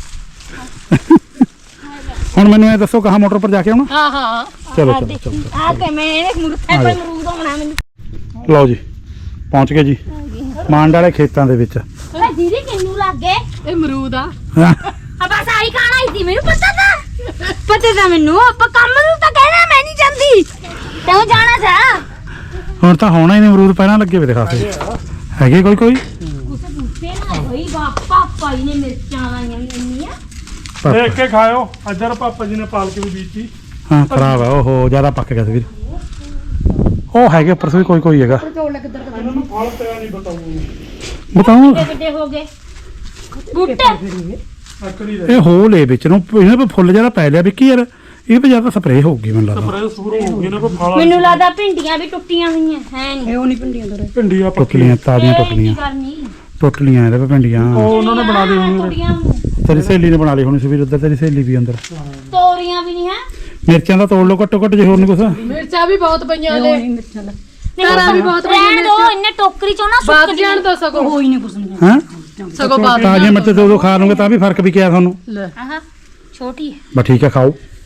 D: ਹੁਣ ਮੈਨੂੰ ਇਹ ਦੱਸੋ ਕਹਾਂ ਮੋਟਰ ਪਰ ਜਾ ਕੇ ਆਉਣਾ।
A: ਹਾਂ ਹਾਂ
D: ਚਲੋ
B: ਆ ਤੇ ਮੈਂ ਇਹਨੇ ਮੁਰਤੇ ਪਰ ਮਰੂਦ ਹੋਣਾ ਮੈਨੂੰ।
D: ਲਓ ਜੀ ਪਹੁੰਚ ਗਏ ਜੀ ਮਾਂਡ ਵਾਲੇ ਖੇਤਾਂ ਦੇ ਵਿੱਚ।
B: ਓਏ ਦੀਦੀ ਕਿੰਨੂ ਲੱਗ ਗਏ।
A: ਇਹ ਅਮਰੂਦ ਆ।
B: ਆ ਬਸ ਆਈ ਖਾਣਾ ਹੀ ਸੀ ਮੈਨੂੰ ਪਤਾ ਤਾਂ ਮੈਨੂੰ ਆਪਾਂ ਕੰਮ ਨੂੰ ਤਾਂ ਕਹਿਣਾ ਮੈਂ ਨਹੀਂ ਜਾਂਦੀ ਤੈਨੂੰ ਜਾਣਾ ਜਾ।
D: ਹੁਣ ਤਾਂ ਹੋਣਾ ਹੀ ਨਹੀਂ ਅਮਰੂਦ ਪਹਿਲਾਂ ਲੱਗੇ ਵੇ ਦਿਖਾਸੇ ਹੈਗੇ ਕੋਈ
B: ਕੁਛ ਬੂਟੇ ਨਾ ਹੋਈ ਬਾਪਾ ਪਾਈ ਨੇ ਮਿਰਚਾਂ ਲਾਈਆਂ ਇੰਨੀਆਂ।
E: ਦੇਖ ਕੇ ਖਾਇਓ। ਇੱਧਰ ਪਾਪਾ ਜੀ ਨੇ ਪਾਲਕ ਵੀ ਬੀਜੀ।
D: ਹਾਂ ਖਰਾਬ ਹੈ ਉਹ ਜ਼ਿਆਦਾ ਪੱਕ ਗਿਆ ਸੀ ਵੀਰ। ਉਹ ਹੈਗੇ ਉੱਪਰ ਵੀ ਕੋਈ ਹੈਗਾ
E: ਇਹਨਾਂ ਨੂੰ ਫਲ ਪਿਆ ਨਹੀਂ
D: ਬਤਾਓ
B: ਕਿੱਡੇ ਹੋ ਗਏ ਬੂਟੇ।
E: ਅਕੜੀ ਦੇ
D: ਇਹ ਹੋਲ ਏ ਵਿੱਚ ਨੂੰ ਇਹਨਾਂ ਪੇ ਫੁੱਲ ਜਿਹੜਾ ਪੈ ਲਿਆ ਵਿੱਕੀ ਯਾਰ ਇਹ ਪੇ ਜ਼ਿਆਦਾ ਸਪਰੇਅ ਹੋਊਗੀ ਮੈਨੂੰ ਲੱਗਦਾ।
E: ਸਪਰੇ ਸ਼ੁਰੂ ਹੋ ਗਏ ਨਾ ਕੋਈ ਫਲ।
B: ਮੈਨੂੰ ਲੱਗਦਾ ਭਿੰਡੀਆਂ ਵੀ ਟੁੱਟੀਆਂ ਹੋਈਆਂ ਹੈ ਨਹੀਂ।
C: ਇਹ ਉਹ ਨਹੀਂ ਪਿੰਡੀਆਂ ਤੋਂ
E: ਭਿੰਡੀਆਂ
D: ਟੁੱਟ
E: ਪੱਕੀਆਂ
D: ਲੀਆਂ ਤਾਜ਼ੀਆਂ
B: ਇਹ
D: ਟੁੱਟ
B: ਕੀ
D: ਲੀਆਂ
B: ਕਰਨੀ
D: ਟੁੱਟ ਲੀਆਂ ਇਹਦੇ ਪੇ ਭਿੰਡੀਆਂ।
E: ਉਹ ਉਹਨਾਂ ਨੇ ਬਣਾ ਲਈ ਹੋਣੀ।
B: ਤੋਰੀਆਂ
D: ਤੇਰੀ ਸਹੇਲੀ ਨੇ ਬਣਾ ਲਈ ਹੋਣੀ ਸੀ ਵੀਰ ਉੱਧਰ ਤੇਰੀ ਸਹੇਲੀ ਵੀ ਅੰਦਰ।
B: ਤੋਰੀਆਂ ਵੀ ਨਹੀਂ ਹੈ।
D: ਮਿਰਚਾਂ ਦਾ ਤੋੜ ਲਓ ਘੱਟੋ ਘੱਟ ਜੇ ਹੋਰ ਨਹੀਂ ਕੁਛ।
A: ਮਿਰਚਾਂ ਵੀ ਬਹੁਤ ਪਈਆਂ ਲੈ
C: ਮਿਰਚਾਂ ਦਾ
A: ਤਾਰਾਂ ਵੀ ਬਹੁਤ
B: ਰਹਿਣ
A: ਪਈਆਂ
B: ਦੋ ਇੰਨੇ ਟੋਕਰੀ ਚੋਂ ਨਾ
A: ਬਾਤ ਜਾਣ ਤਾਂ ਸਗੋਂ
C: ਕੋਈ ਨਹੀਂ ਕੁਛ ਨਹੀਂ
D: ਹਾਂ
A: ਸਗੋਂ ਬਾਤ
D: ਤਾਜ਼ੀਆਂ ਮਿਰਚਾਂ ਤੇ ਉਦੋਂ ਖਾ ਲਓਗੇ ਤਾਂ ਵੀ ਫਰਕ ਵੀ ਕਿਆ ਤੁਹਾਨੂੰ।
A: ਲੈ
B: ਆਹ ਛੋਟੀ ਹੈ।
D: ਬਸ ਠੀਕ ਹੈ ਖਾਓ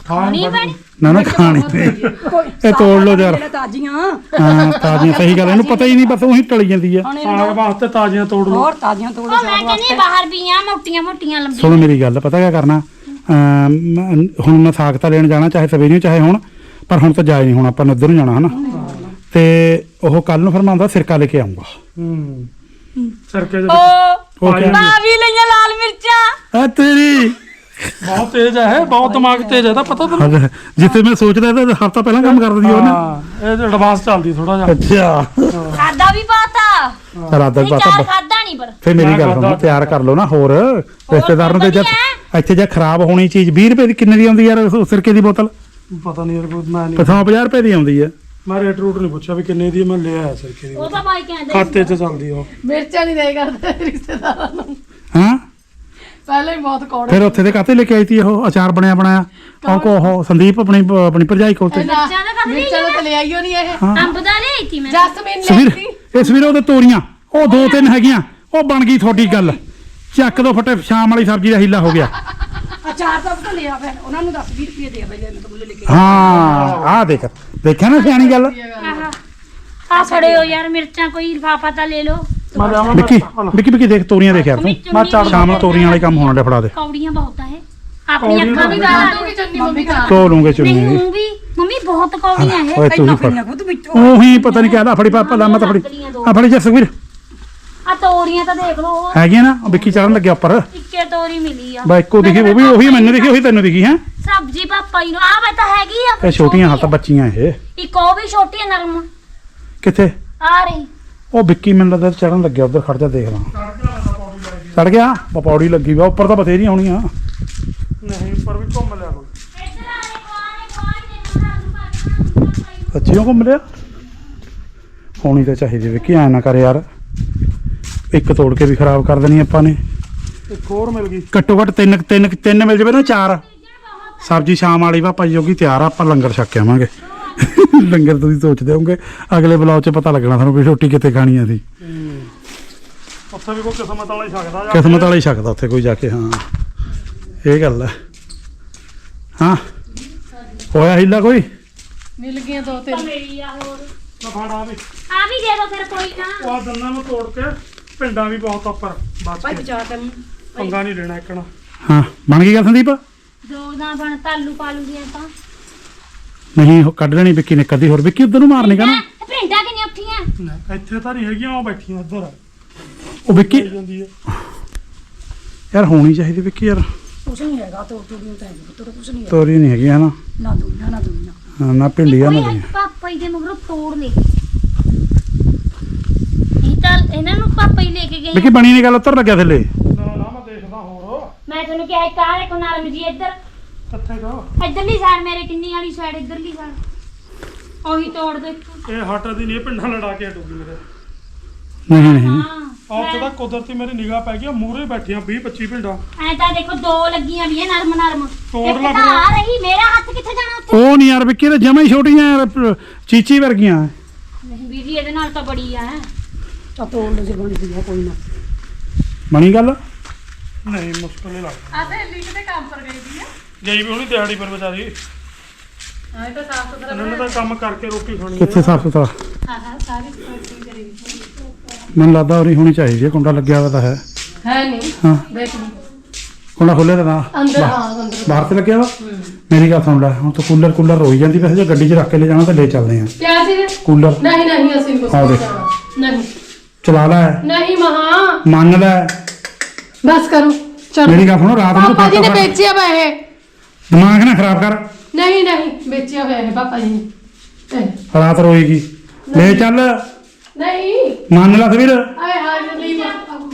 B: ਨਹੀਂ ਪੈਣੀ
D: ਨਾ ਖਾਣੀ ਇਹ ਤੋੜ ਲੋ ਯਾਰ
C: ਤਾਜ਼ੀਆਂ
D: ਹਾਂ ਤਾਜ਼ੀਆਂ ਸਹੀ ਗੱਲ ਇਹਨੂੰ ਪਤਾ ਹੀ ਨਹੀਂ ਬਸ ਉਹੀ ਟਲੀ ਜਾਂਦੀ ਆ
E: ਸਾਗ ਵਾਸਤੇ ਤਾਜ਼ੀਆਂ ਤੋੜ ਲਓ
C: ਹੋਰ ਤਾਜ਼ੀਆਂ ਤੋੜ
B: ਉਹ ਮੈਂ ਕਹਿੰਦੀ ਬਾਹਰ ਪੀਆਂ ਮੋਟੀਆਂ ਮੋਟੀਆਂ ਲੰਬੀਆਂ
D: ਸੁਣੋ ਮੇਰੀ ਗੱਲ ਪਤਾ ਕਿਆ ਕਰਨਾ ਹੁਣ ਮੈਂ ਸਾਗ ਤਾਂ ਲੈਣ ਜਾਣਾ ਚਾਹੇ ਸਵੇਰੇ ਚਾਹੇ ਹੁਣ ਪਰ ਹੁਣ ਤਾਂ ਜਾਏ ਨਹੀਂ ਹੁਣ ਆਪਾਂ ਨੇ ਉੱਧਰ ਨੂੰ ਜਾਣਾ ਹਨਾ ਤੇ ਉਹ ਕੱਲ ਨੂੰ ਫਿਰ ਮੈਂ ਆਉਂਦਾ ਸਿਰਕਾ ਲੈ ਕੇ ਆਉਂਗਾ
E: ਸਰਕੇ
D: ਉਹ ਕਿਆ
B: ਵੀ ਲਈਆਂ ਲਾਲ ਮਿਰਚਾਂ
D: ਆ ਤੇਰੀ
E: ਬਹੁਤ ਤੇਜ਼ ਹੈ ਬਹੁਤ ਦਿਮਾਗ ਤੇਜ਼ ਹੈ ਤਾਂ ਪਤਾ ਤੈਨੂੰ
D: ਹਾਂ, ਜਿੱਥੇ ਮੈਂ ਸੋਚਦਾ ਤਾਂ ਹਫ਼ਤਾ ਪਹਿਲਾਂ ਕੰਮ ਕਰ ਦਿੰਦੀ ਉਹ ਨਾ
E: ਹਾਂ ਇਹ ਐਡਵਾਂਸ ਚੱਲਦੀ ਥੋੜਾ ਜਿਹਾ
D: ਅੱਛਾ
B: ਖਾਦਾ ਵੀ ਪਾਤਾ
D: ਚਲ ਆਦਾ
B: ਨਹੀਂ
D: ਪਤਾ
B: ਚਾਰ ਖਾਦਾ ਨਹੀਂ ਪਰ
D: ਫੇ ਮੇਰੀ ਗੱਲ ਸੁਣੋ ਤਿਆਰ ਕਰ ਲਓ ਨਾ ਹੋਰ ਰਿਸ਼ਤੇਦਾਰ ਨੂੰ ਤੇ ਜਦ ਇੱਥੇ ਜੇ ਖਰਾਬ ਹੋਣੀ ਚੀਜ਼ 20 ਰੁਪਏ ਦੀ ਕਿੰਨੇ ਦੀ ਆਉਂਦੀ ਯਾਰ ਸਿਰਕੇ ਦੀ ਬੋਤਲ
E: ਪਤਾ ਨਹੀਂ ਯਾਰ ਕੋਈ ਮੈਂ ਨਹੀਂ
D: 50 ਰੁਪਏ ਦੀ ਆਉਂਦੀ ਹੈ
E: ਮੈਂ ਰੇਟ ਰੂਟ ਨਹੀਂ ਪੁੱਛਿਆ ਵੀ ਕਿੰਨੇ ਦੀ ਹੈ, ਮੈਂ ਲਿਆ ਹੈ ਸਰਕੇ ਦੀ
B: ਉਹ ਤਾਂ ਬਾਈ ਕਹਿੰਦੇ
E: ਖਾਤੇ 'ਚ ਚੱਲਦੀ ਉਹ
A: ਮਿਰਚਾਂ ਨਹੀਂ ਦੇ ਕਰਦੇ ਰਿਸ਼ਤੇਦਾਰਾਂ ਨੂੰ
D: ਹਾਂ
A: ਪਹਿਲਾਂ ਹੀ ਬਹੁਤ ਕੌੜੇ
D: ਫਿਰ ਉੱਥੇ ਦੇ ਕਾਤੇ ਲੈ ਕੇ ਆਈ ਤੀ ਉਹ ਅਚਾਰ ਬਣਿਆ ਬਣਾਇਆ ਉਹ ਸੰਦੀਪ ਆਪਣੀ ਭਰਜਾਈ ਕੋਲ ਤੇ
A: ਮਿਰਚਾਂ
B: ਦਾ ਕਰ ਲਈ
A: ਮਿਰਚਾਂ ਤਾਂ ਲੈ ਆਈਓ ਨਹੀਂ ਇਹ
B: ਅੰਬ ਦਾ ਲਿਆਈ ਤੀ ਮੈਂ
A: ਜਸਮੀਨ ਲੈ
D: ਸਵੀਰ
A: ਸੀ
D: ਇਹ ਸਵੀਰ ਉਹਦੇ ਤੋਰੀਆਂ ਉਹ 2-3 ਹੈਗੀਆਂ ਉਹ ਬਣ ਗਈ ਤੁਹਾਡੀ ਗੱਲ ਚੱਕ ਦੋ ਫਟੇ ਸ਼ਾਮ ਵਾਲੀ ਸਬਜ਼ੀ ਦਾ ਹੀਲਾ ਹੋ ਗਿਆ
C: ਅਚਾਰ ਤਾਂ ਪਤਾ ਲਿਆ ਫਿਰ ਉਹਨਾਂ ਨੂੰ 10-20 ਰੁਪਏ ਦੇ ਬਈ ਮੈਂ ਤਾਂ ਮੁੱਲ ਲੈ ਕੇ
D: ਹਾਂ ਆਹ ਦੇਖਿਆ ਨਾ ਸਿਆਣੀ ਗੱਲ
B: ਆ ਸੜੇ ਹੋ ਯਾਰ ਮਿਰਚਾਂ ਕੋਈ ਲਿਫਾਫਾ ਤਾਂ ਲੈ ਲਓ
E: ਮੈਂ ਲਿਆਵਾਂ
D: ਵਿੱਕੀ ਦੇਖ ਤੋਰੀਆਂ ਦੇਖ ਯਾਰ ਤੂੰ
E: ਮੈਂ ਚੜ
D: ਸ਼ਾਮ ਨੂੰ ਤੋਰੀਆਂ ਵਾਲੇ ਕੰਮ ਹੋਣ ਡੇ ਫੜਾ ਦੇ
B: ਕੌੜੀਆਂ ਬਹੁਤ ਆ ਇਹ ਆਪਣੀ ਅੱਖਾਂ ਵੀ ਗਾਲਾਂ
A: ਆਲੂ ਵੀ ਚੰਨੀ ਮੰਮੀ ਖਾ
D: ਧੋ ਲੂੰਗੇ ਚੁੰਨੀ
B: ਨਹੀਂ ਉਹ ਵੀ ਮੰਮੀ ਬਹੁਤ ਕੌੜੀਆਂ ਇਹ
D: ਓਏ ਤੂੰ ਹੀ ਫੜ
C: ਨਾ ਖੁਦ ਵਿੱਚ
D: ਉਹੀ ਪਤਾ ਨਹੀਂ ਕਿਹਦਾ ਫੜੀ ਪਾਪਾ ਲਾਮਾ ਤਾਂ ਫੜੀ ਆ ਫੜੀ ਜਸਵੀਰ
B: ਆ ਤੋਰੀਆਂ ਤਾਂ ਦੇਖ ਲਓ ਉਹ
D: ਹੈਗੀਆਂ ਨਾ ਉਹ ਵਿੱਕੀ ਚੜਨ ਲੱਗਿਆ ਉੱਪਰ
B: ਇੱਕੇ ਤੋਰੀ ਮਿਲੀ ਆ
D: ਬਾ ਇੱਕੋ ਦਿਖੀ ਉਹ ਵੀ ਉਹੀ ਮੈਨੂੰ ਦਿਖੀ ਉਹੀ ਤੈਨੂੰ ਦਿਖੀ ਹੈ
B: ਸਬਜ਼ੀ ਪਾਪਾ ਜੀ ਨੂੰ ਆ ਵੇ ਤਾਂ ਹੈਗੀ ਆ
D: ਇਹ ਛੋਟੀਆਂ ਹੱਥ ਬੱਚੀਆਂ ਇਹ
B: ਇੱਕ ਉਹ ਵੀ ਛੋਟੀ ਆ ਨਰਮ
D: ਕਿੱਥੇ
B: ਆ ਰਹੀ
D: ਉਹ ਵਿੱਕੀ ਮੈਨੂੰ ਲੱਗਦਾ ਚੜਨ ਲੱਗਿਆ ਉਧਰ ਖੜ ਜਾ ਦੇਖ ਲਾਂ ਚੜ ਗਿਆ ਪਪੌੜੀ ਲੱਗੀ ਵਾ ਉੱਪਰ ਤਾਂ ਬਥੇਰੀਆਂ ਹੋਣੀਆਂ
E: ਨਹੀਂ ਉੱਪਰ ਵੀ ਘੁੰਮ ਲਿਆ ਕੋਈ
D: ਸੱਚੀਓ ਘੁੰਮ ਲਿਆ ਹੋਣੀ ਤਾਂ ਚਾਹੀਦੀ ਵਿੱਕੀ ਐ ਨਾ ਕਰ ਯਾਰ ਇੱਕ ਤੋੜ ਕੇ ਵੀ ਖਰਾਬ ਕਰ ਦੇਣੀ ਆਪਾਂ ਨੇ
E: ਇੱਕ ਹੋਰ ਮਿਲ ਗਈ
D: ਘੱਟੋ ਘੱਟ ਤਿੰਨ ਮਿਲ ਜਾਵੇ ਨਾ 4 ਸਬਜ਼ੀ ਸ਼ਾਮ ਵਾਲੀ ਵਾ ਭਾਈ ਜੋਗੀ ਤਿਆਰ ਆ ਆਪਾਂ ਲੰਗਰ ਛਕ ਕੇ ਆਵਾਂਗੇ ਲੰਗਰ ਤੁਸੀਂ ਸੋਚਦੇ ਹੋਗੇ ਅਗਲੇ ਬਲੌਗ 'ਚ ਪਤਾ ਲੱਗਣਾ ਤੁਹਾਨੂੰ ਵੀ ਰੋਟੀ ਕਿੱਥੇ ਖਾਣੀ ਆ ਸੀ
E: ਉੱਥੇ ਵੀ ਕੋਈ ਕਿਸਮਤ ਵਾਲਾ ਹੀ ਸਕਦਾ ਜਾਂ
D: ਕਿਸਮਤ ਵਾਲਾ ਹੀ ਸਕਦਾ ਉੱਥੇ ਕੋਈ ਜਾ ਕੇ ਹਾਂ ਇਹ ਗੱਲ ਹੈ ਹਾਂ ਹੋਇਆ ਹੀਲਾ ਕੋਈ
A: ਮਿਲ ਗਈਆਂ ਦੋ ਤਿੰਨ
B: ਮੇਰੀ ਆ ਹੋਰ
E: ਮੈਂ ਫੜਾ ਵੀ
B: ਆ ਵੀ ਦੇ ਦੋ ਫਿਰ ਕੋਈ ਨਾ
E: ਉਹ ਆਹ ਦੰਨਾਂ ਨੂੰ ਤੋੜ ਕੇ ਪਿੰਡਾਂ ਵੀ ਬਹੁਤ ਉੱਪਰ ਬਚ
C: ਭਾਈ
E: ਕੇ
C: ਬਚਾ ਤੈਨੂੰ
E: ਪੰਗਾ ਨਹੀਂ ਲੈਣਾ ਇੱਕਣਾ
D: ਹਾਂ ਬਣ ਗਈ ਗੱਲ ਸੰਦੀਪ
B: ਦੋ ਨਾ ਬਣ ਤਾਲੂ ਪਾਲੂ ਦੀਆਂ ਤਾਂ
D: ਨਹੀਂ ਉਹ ਕੱਢ ਲੈਣੀ ਵਿੱਕੀ ਨੇ ਕਦੀ ਹੋਰ ਵਿੱਕੀ ਉਧਰ ਨੂੰ ਮਾਰਨੀ ਕਾ ਨਾ
B: ਭਿੰਡਾ ਕਿੰਨੀਆਂ ਉੱਠੀਆਂ
E: ਇੱਥੇ ਤਾਂ ਨਹੀਂ ਹੈਗੀਆਂ ਉਹ ਬੈਠੀਆਂ ਉੱਧਰ
D: ਉਹ ਵਿੱਕੀ
E: ਜਾਂਦੀ ਹੈ
D: ਯਾਰ ਹੋਣੀ ਚਾਹੀਦੀ ਵਿੱਕੀ ਯਾਰ
C: ਕੁਛ ਨਹੀਂ ਹੈਗਾ ਤੋੜ ਤੋੜੀਆਂ ਤਾਂ ਹੈਗੀ ਪੁੱਤਰ ਕੁਛ ਨਹੀਂ
D: ਤੋਰੀ ਨਹੀਂ ਹੈਗੀ ਹਨਾ
C: ਨਾ ਦੁਨੀਆ ਨਾ ਦੁਨੀਆ
D: ਹਾਂ, ਨਾ ਭਿੰਡੀਆਂ ਨਾ ਦੁਨੀਆ
B: ਪਾਪਾ ਜੀ ਦੇ ਮਗਰੋਂ ਤੋੜ ਲੈ ਇਹ ਤਾਂ ਇਹਨਾਂ ਨੂੰ ਪਾਪਾ ਹੀ ਲੈ ਕੇ ਗਏ
D: ਵਿੱਕੀ ਬਣੀ ਨਹੀਂ ਗੱਲ ਉੱਤਰ ਲੱਗਿਆ ਥੱਲੇ
E: ਨਾ ਨਾ ਮੈਂ ਦੇਖਦਾ ਹੋਰ
B: ਮੈਂ ਤੁਹਾਨੂੰ ਕਿਹਾ ਇੱਕ ਆਹ ਦੇਖੋ ਨਰਮ ਜੀ ਇੱਧਰ
E: ਕਿੱਥੇ ਗਾ
B: ਇੱਧਰਲੀ ਸਾਈਡ ਮੇਰੇ ਕਿੰਨੀ ਵਾਲੀ ਸਾਈਡ ਇੱਧਰਲੀ ਸਾਈਡ ਉਹੀ ਤੋੜ ਦੋ ਇੱਥੋਂ
E: ਇਹ ਹਟਦੀ ਨਹੀਂ ਇਹ ਪਿੰਡਾਂ ਲੜਾ ਕੇ ਹਟੂਗੀ ਮੇਰੇ
D: ਨਹੀਂ
B: ਹਾਂ
E: ਉੱਥੇ ਤਾਂ ਕੁਦਰਤੀ ਮੇਰੀ ਨਿਗਾਹ ਪੈ ਗਈ ਮੂਹਰੇ ਬੈਠੀਆਂ 20-25 ਪਿੰਡਾਂ
B: ਐ ਤਾਂ ਦੇਖੋ ਦੋ ਲੱਗੀਆਂ ਵੀ ਨਰਮ ਨਰਮ
E: ਤੋੜ
B: ਇੱਕ
E: ਲਾ
B: ਤਾਂ
E: ਫਿਰ।
B: ਆ ਰਹੀ ਮੇਰਾ ਹੱਥ ਕਿੱਥੇ ਜਾਣਾ ਉੱਥੇ
D: ਉਹ ਨਹੀਂ ਯਾਰ ਵਿੱਕੀ ਤਾਂ ਜਮਾਂ ਹੀ ਛੋਟੀਆਂ ਯਾਰ ਚੀਚੀ ਵਰਗੀਆਂ
B: ਨਹੀਂ ਵੀਰ ਜੀ ਇਹਦੇ ਨਾਲ ਤਾਂ ਬੜੀ ਆ
C: ਤਾਂ ਤੋੜ ਲੋ ਜੇ ਬਣਦੀ ਆ ਕੋਈ ਨਾ
D: ਬਣੀ ਗੱਲ
E: ਨਹੀਂ ਮੁਸ਼ਕਲ ਹੀ ਲੱਗਦਾ
A: ਆ ਤੇ ਲਿੰਕ ਤੇ ਕੰਮ ਪਰ ਗਈ ਦੀ ਆ
E: ਗਈ ਵੀ ਉਹਨੀ ਦਿਹਾੜੀ ਪਰ ਵਿਚਾਰੀ
A: ਹਾਂ ਇਹ ਤਾਂ ਸਾਫ ਸੁਥਰਾ
E: ਇਹਨਾਂ ਨੇ ਤਾਂ ਕੰਮ ਕਰਕੇ ਰੋਟੀ ਖਾਣੀ ਹੈ
D: ਕਿੱਥੇ ਸਾਫ ਸੁਥਰਾ
A: ਹਾਂ ਹਾਂ ਸਾਰੀ ਸਫਾਈ ਕਰੀ
D: ਮੈਨੂੰ ਲੱਗਦਾ ਉਰੀ ਹੋਣੀ ਚਾਹੀਦੀ ਹੈ ਕੁੰਡਾ ਲੱਗਿਆ ਹੋਇਆ ਤਾਂ ਹੈ
A: ਹੈ ਨਹੀਂ
D: ਹਾਂ
A: ਦੇਖ ਲਈ
D: ਕੁੰਡਾ ਖੋਲਿਆ ਤਾਂ ਨਾ
A: ਅੰਦਰ ਹਾਂ ਅੰਦਰ
D: ਬਾਹਰ ਤੇ ਲੱਗਿਆ ਵਾ ਮੇਰੀ ਗੱਲ ਸੁਣ ਲੈ ਹੁਣ ਤੂੰ ਕੂਲਰ ਰੋਈ ਜਾਂਦੀ ਵੈਸੇ ਜੇ ਗੱਡੀ 'ਚ ਰੱਖ ਕੇ ਲੈ ਜਾਣਾ ਤਾਂ ਲੈ ਚੱਲਦੇ ਆ
A: ਕਿਆ ਸੀ
D: ਕੂਲਰ
A: ਨਹੀਂ ਨਹੀਂ ਅਸੀਂ ਕੁਛ
D: ਆਹ
A: ਨਹੀਂ
D: ਦੇਖ।
A: ਜਾਣਾ। ਨਹੀਂ
D: ਚਲਾ ਲੈ
A: ਨਹੀਂ ਮਹਾ
D: ਮੰਨ ਲੈ
A: ਬਸ ਕਰੋ ਚਲੋ
D: ਮੇਰੀ ਗੱਲ ਸੁਣੋ ਰਾਤ ਨੂੰ
A: ਪਾਪਾ ਜੀ ਨੇ
D: ਫਟਾਫਟ
A: ਵੇਚਿਆ ਵਾ ਇਹ
D: ਦਿਮਾਗ ਨਾ ਖਰਾਬ ਕਰ
A: ਨਹੀਂ ਨਹੀਂ ਵੇਚਿਆ ਹੋਇਆ ਹੈ ਪਾਪਾ ਜੀ ਨੇ ਇਹ,
D: ਰਾਤ ਰੋਏਗੀ ਲੈ ਚੱਲ
A: ਨਹੀਂ
D: ਮੰਨ ਲੈ ਸਵੀਰ
A: ਆਏ ਹਾਏ ਨਹੀਂ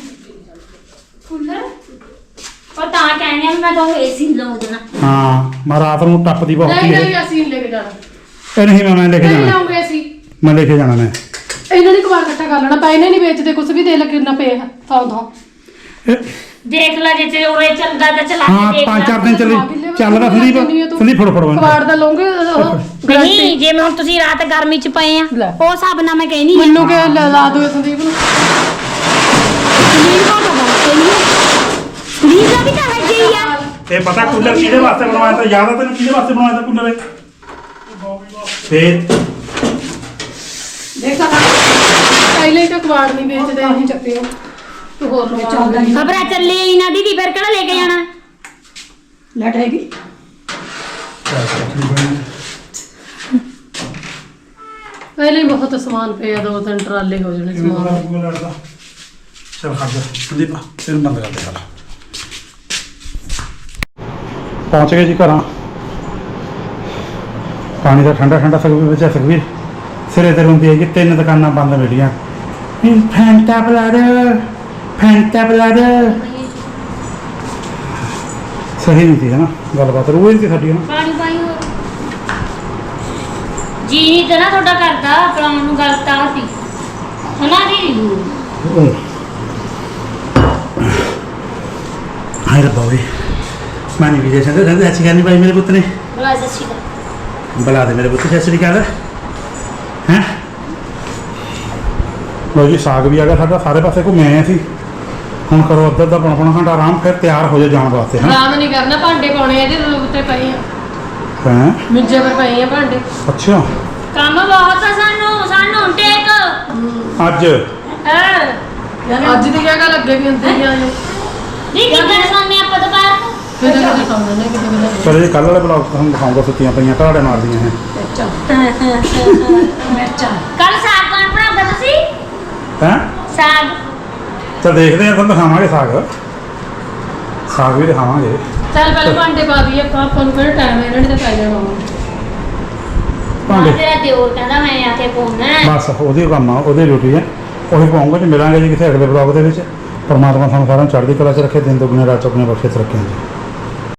B: ਕੂਲਰ ਉਹ ਤਾਂ ਕਹਿੰਦੇ ਆ ਵੀ ਮੈਂ ਤੁਹਾਨੂੰ ਏਸੀ ਲਾਉਂ ਦੇਣਾ
D: ਹਾਂ ਮੈਂ ਰਾਤ ਨੂੰ ਟੱਪਦੀ ਬਹੁਤ
A: ਨਹੀਂ
D: ਹੀ
A: ਨਹੀਂ ਅਸੀਂ ਨਹੀਂ ਲੈ ਕੇ ਜਾਣਾ
D: ਇਹ ਨਹੀਂ ਮੈਂ ਲੈ ਕੇ
A: ਨਹੀਂ
D: ਜਾਣਾ
A: ਲਾਉਂਗੇ ਅਸੀਂ
D: ਮੈਂ ਲੈ ਕੇ ਜਾਣਾ ਮੈਂ
A: ਇਹਨਾਂ ਨੇ ਕਬਾੜ ਇਕੱਠਾ ਕਰ ਲੈਣਾ ਪਾ ਇਹਨੇ ਨਹੀਂ ਵੇਚਦੇ ਕੁਝ ਵੀ ਦੇ ਲੈ ਕਿੰਨਾ ਪਿਆ ਥਾਂ ਥਾਂ
D: ਇਹ-
B: ਦੇਖ ਲੈ ਜੇ ਉਰੇ ਚੱਲਦਾ ਤਾਂ ਚਲਾ
D: ਹਾਂ
B: ਕੇ ਦੇਖ
D: 5-4 ਦਿਨ ਚੱਲਦਾ ਸੰਦੀਪ ਫੜੋ
A: ਕਬਾੜ ਦਾ ਲਓਗੇ
B: ਨਹੀਂ ਜੇ ਮੈਂ ਹੁਣ ਤੁਸੀਂ ਰਾਤ ਗਰਮੀ ਚ ਪਏ ਆ
A: ਲੈ।
B: ਉਹ ਹਿਸਾਬ ਨਾਲ ਮੈਂ ਕਹਿਨੀ
A: ਮੈਨੂੰ ਕਿ ਲਾ ਦਿਓ ਸੰਦੀਪ ਨੂੰ
B: ਲੀਜ਼ਾ ਵੀ ਤਾਂ ਹੈਗੀ ਆ
D: ਇਹ ਪਤਾ ਕੂਲਰ ਕਿਹਦੇ ਵਾਸਤੇ ਬਣਵਾਇਆ ਤਾਂ ਯਾਦ ਆ ਤੈਨੂੰ ਕਿਹਦੇ ਵਾਸਤੇ ਬਣਵਾਇਆ ਤਾਂ ਕੂਲਰ ਇਹ ਫੇਰ
C: ਦੇਖਾ
A: ਪਹਿਲੇ ਹੀ ਤਾਂ ਕਬਾੜ ਨਹੀਂ ਵੇਚਦੇ ਅਸੀਂ ਚੱਕਿਓ ਤੂੰ ਹੋਰ ਚੱਲਦਾ ਨਹੀਂ
B: ਖਬਰਾਂ ਚੱਲੀ ਇਹਨਾਂ ਦੀ ਫਿਰ ਕਿਹੜਾ ਲੈ ਕੇ ਜਾਣਾ
C: ਲੈਟ ਹੈਗੀ
A: ਪਹਿਲੇ ਹੀ ਬਹੁਤ ਸਮਾਨ ਪਿਆ 2-3 ਟਰਾਲੇ ਹੋ ਜਾਣੇ ਸਮਾਨ
D: ਲੜਦਾ ਚਲ ਖੜ ਜਾ ਸੰਦੀਪ ਤੈਨੂੰ ਬੰਦ ਕਰ ਦੇ ਸਾਰਾ ਪਹੁੰਚ ਗਏ ਜੀ ਘਰਾਂ ਪਾਣੀ ਦਾ ਠੰਡਾ ਠੰਡਾ ਸੁਖਵੀਰ ਵਿੱਚ ਸੁਖਵੀਰ ਸਿਰੇ ਤੇ ਹੁੰਦੀ ਹੈ ਕਿ 3 ਦੁਕਾਨਾਂ ਬੰਦ ਮਿਲੀਆਂ ਫੈਂਟਾ ਬਲੱਡ ਸਹੀ ਨਹੀਂ ਸੀ ਹੈ ਨਾ ਗੱਲਬਾਤ ਰੋਜ਼ ਦੀ ਸਾਡੀ ਨਾ
B: ਪਾਣੀ ਪਾਈ ਹੋਰ ਜੀ ਨਹੀਂ ਤੇ ਨਾ ਤੁਹਾਡਾ ਕਰਦਾ ਪਲਾਉਣ ਨੂੰ ਗੱਲ ਤਾਂ ਸੀ ਹਨਾ ਜੀ
D: ਹਾਏ ਰੱਬਾ ਵੇ ਮਾਨੀ ਵੀ ਜੈਸਾ ਕਹਿੰਦਾ ਅੱਛੀ ਕਰਨੀ ਭਾਈ ਮੇਰੇ ਪੁੱਤ ਨੇ
B: ਬੁਲਾ ਸੱਚੀ ਦਾ
D: ਬੁਲਾ ਦੇ ਮੇਰੇ ਪੁੱਤ ਸਤਿ ਸ੍ਰੀ ਅਕਾਲ ਹੈਂ ਲੋ ਜੀ ਸਾਗ ਵੀ ਆ ਗਿਆ ਸਾਡਾ ਸਾਰੇ ਪਾਸੇ ਘੁੰਮੇ ਆਏ ਅਸੀਂ ਹੁਣ ਕਰੋ ਅੱਧਾ ਅੱਧਾ ਪੌਣਾ ਘੰਟਾ ਆਰਾਮ ਫਿਰ ਤਿਆਰ ਹੋ ਜਾ ਜਾਣ ਵਾਸਤੇ ਹਾਂ
A: ਆਰਾਮ ਨਹੀਂ ਕਰਨਾ ਭਾਂਡੇ ਪਾਉਣੇ ਆ ਇਹਦੇ ਉੱਤੇ ਪਏ ਆ
D: ਹੈਂ
A: ਮਿੱਜੇ ਪਰ ਪਏ ਆ ਭਾਂਡੇ
D: ਅੱਛਾ
B: ਕੰਮ ਬਹੁਤ ਆ ਸਾਨੂੰ ਟੇਕ
D: ਅੱਜ
A: ਅੱਜ ਦੀ ਜਗ੍ਹਾ ਲੱਗੇ ਵੀ ਹੁੰਦੇ ਆ ਜੋ
B: ਨਹੀਂ ਕਿੱਦਾਂ ਸੌਂਦੇ ਆਪਾਂ ਦੁਪਹਿਰ ਨੂੰ
A: ਕਿਤੇ ਕਿਤੇ ਸੌਂਦੇ ਨੇ ਕਿਤੇ ਕਿਤੇ
D: ਚਲੋ ਜੀ ਕੱਲ ਵਾਲੇ ਬਲੌਗ ਤੁਹਾਨੂੰ ਦਿਖਾਉਂਗਾ ਸੁੱਤੀਆਂ ਪਈਆਂ ਘਾੜੇ ਮਾਰਦੀਆਂ ਹੈ
C: ਮਿਰਚਾਂ
B: ਕੱਲ ਸਾਗ ਕੌਣ ਬਣਾਉਂਦਾ ਤੁਸੀਂ
D: ਹੈਂ
B: ਸਾਗ
D: ਤਾਂ ਦੇਖਦੇ ਆ ਤੁਹਾਨੂੰ ਦਿਖਾਵਾਂਗੇ ਸਾਗ ਵੀ ਦਿਖਾਵਾਂਗੇ
A: ਚੱਲ ਪਹਿਲਾਂ ਭਾਂਡੇ ਪਾ ਦਈਏ ਆਪਾਂ ਨੂੰ ਕਿਹੜਾ ਟਾਈਮ ਹੈ ਇਹਨਾਂ ਨੇ ਤਾਂ ਪੈ ਜਾਣਾ ਵਾ।
D: ਭਾਂਡੇ
B: ਤੇਰਾ ਦਿਓਰ ਕਹਿੰਦਾ ਮੈਂ ਆ ਕੇ ਪਾਉਣਾ
D: ਬਸ ਉਹਦੀ ਕੰਮ ਆ ਉਹਦੀ ਡਿਊਟੀ ਹੈ ਉਹੀ ਪਾਉਂਗਾ ਜੀ ਮਿਲਾਂਗੇ ਜੀ ਕਿਸੇ ਅਗਲੇ ਬਲੌਗ ਦੇ ਵਿੱਚ ਪਰਮਾਤਮਾ ਸਾਨੂੰ ਸਾਰਿਆਂ ਨੂੰ ਚੜ੍ਹਦੀ ਕਲਾ 'ਚ ਰੱਖੇ ਦਿਨ ਦੁਗਣੇ ਰਾਤ ਚੌਗੁਣੇ ਬਖਸ਼ਿਸ਼ ਰੱਖੇ ਜੀ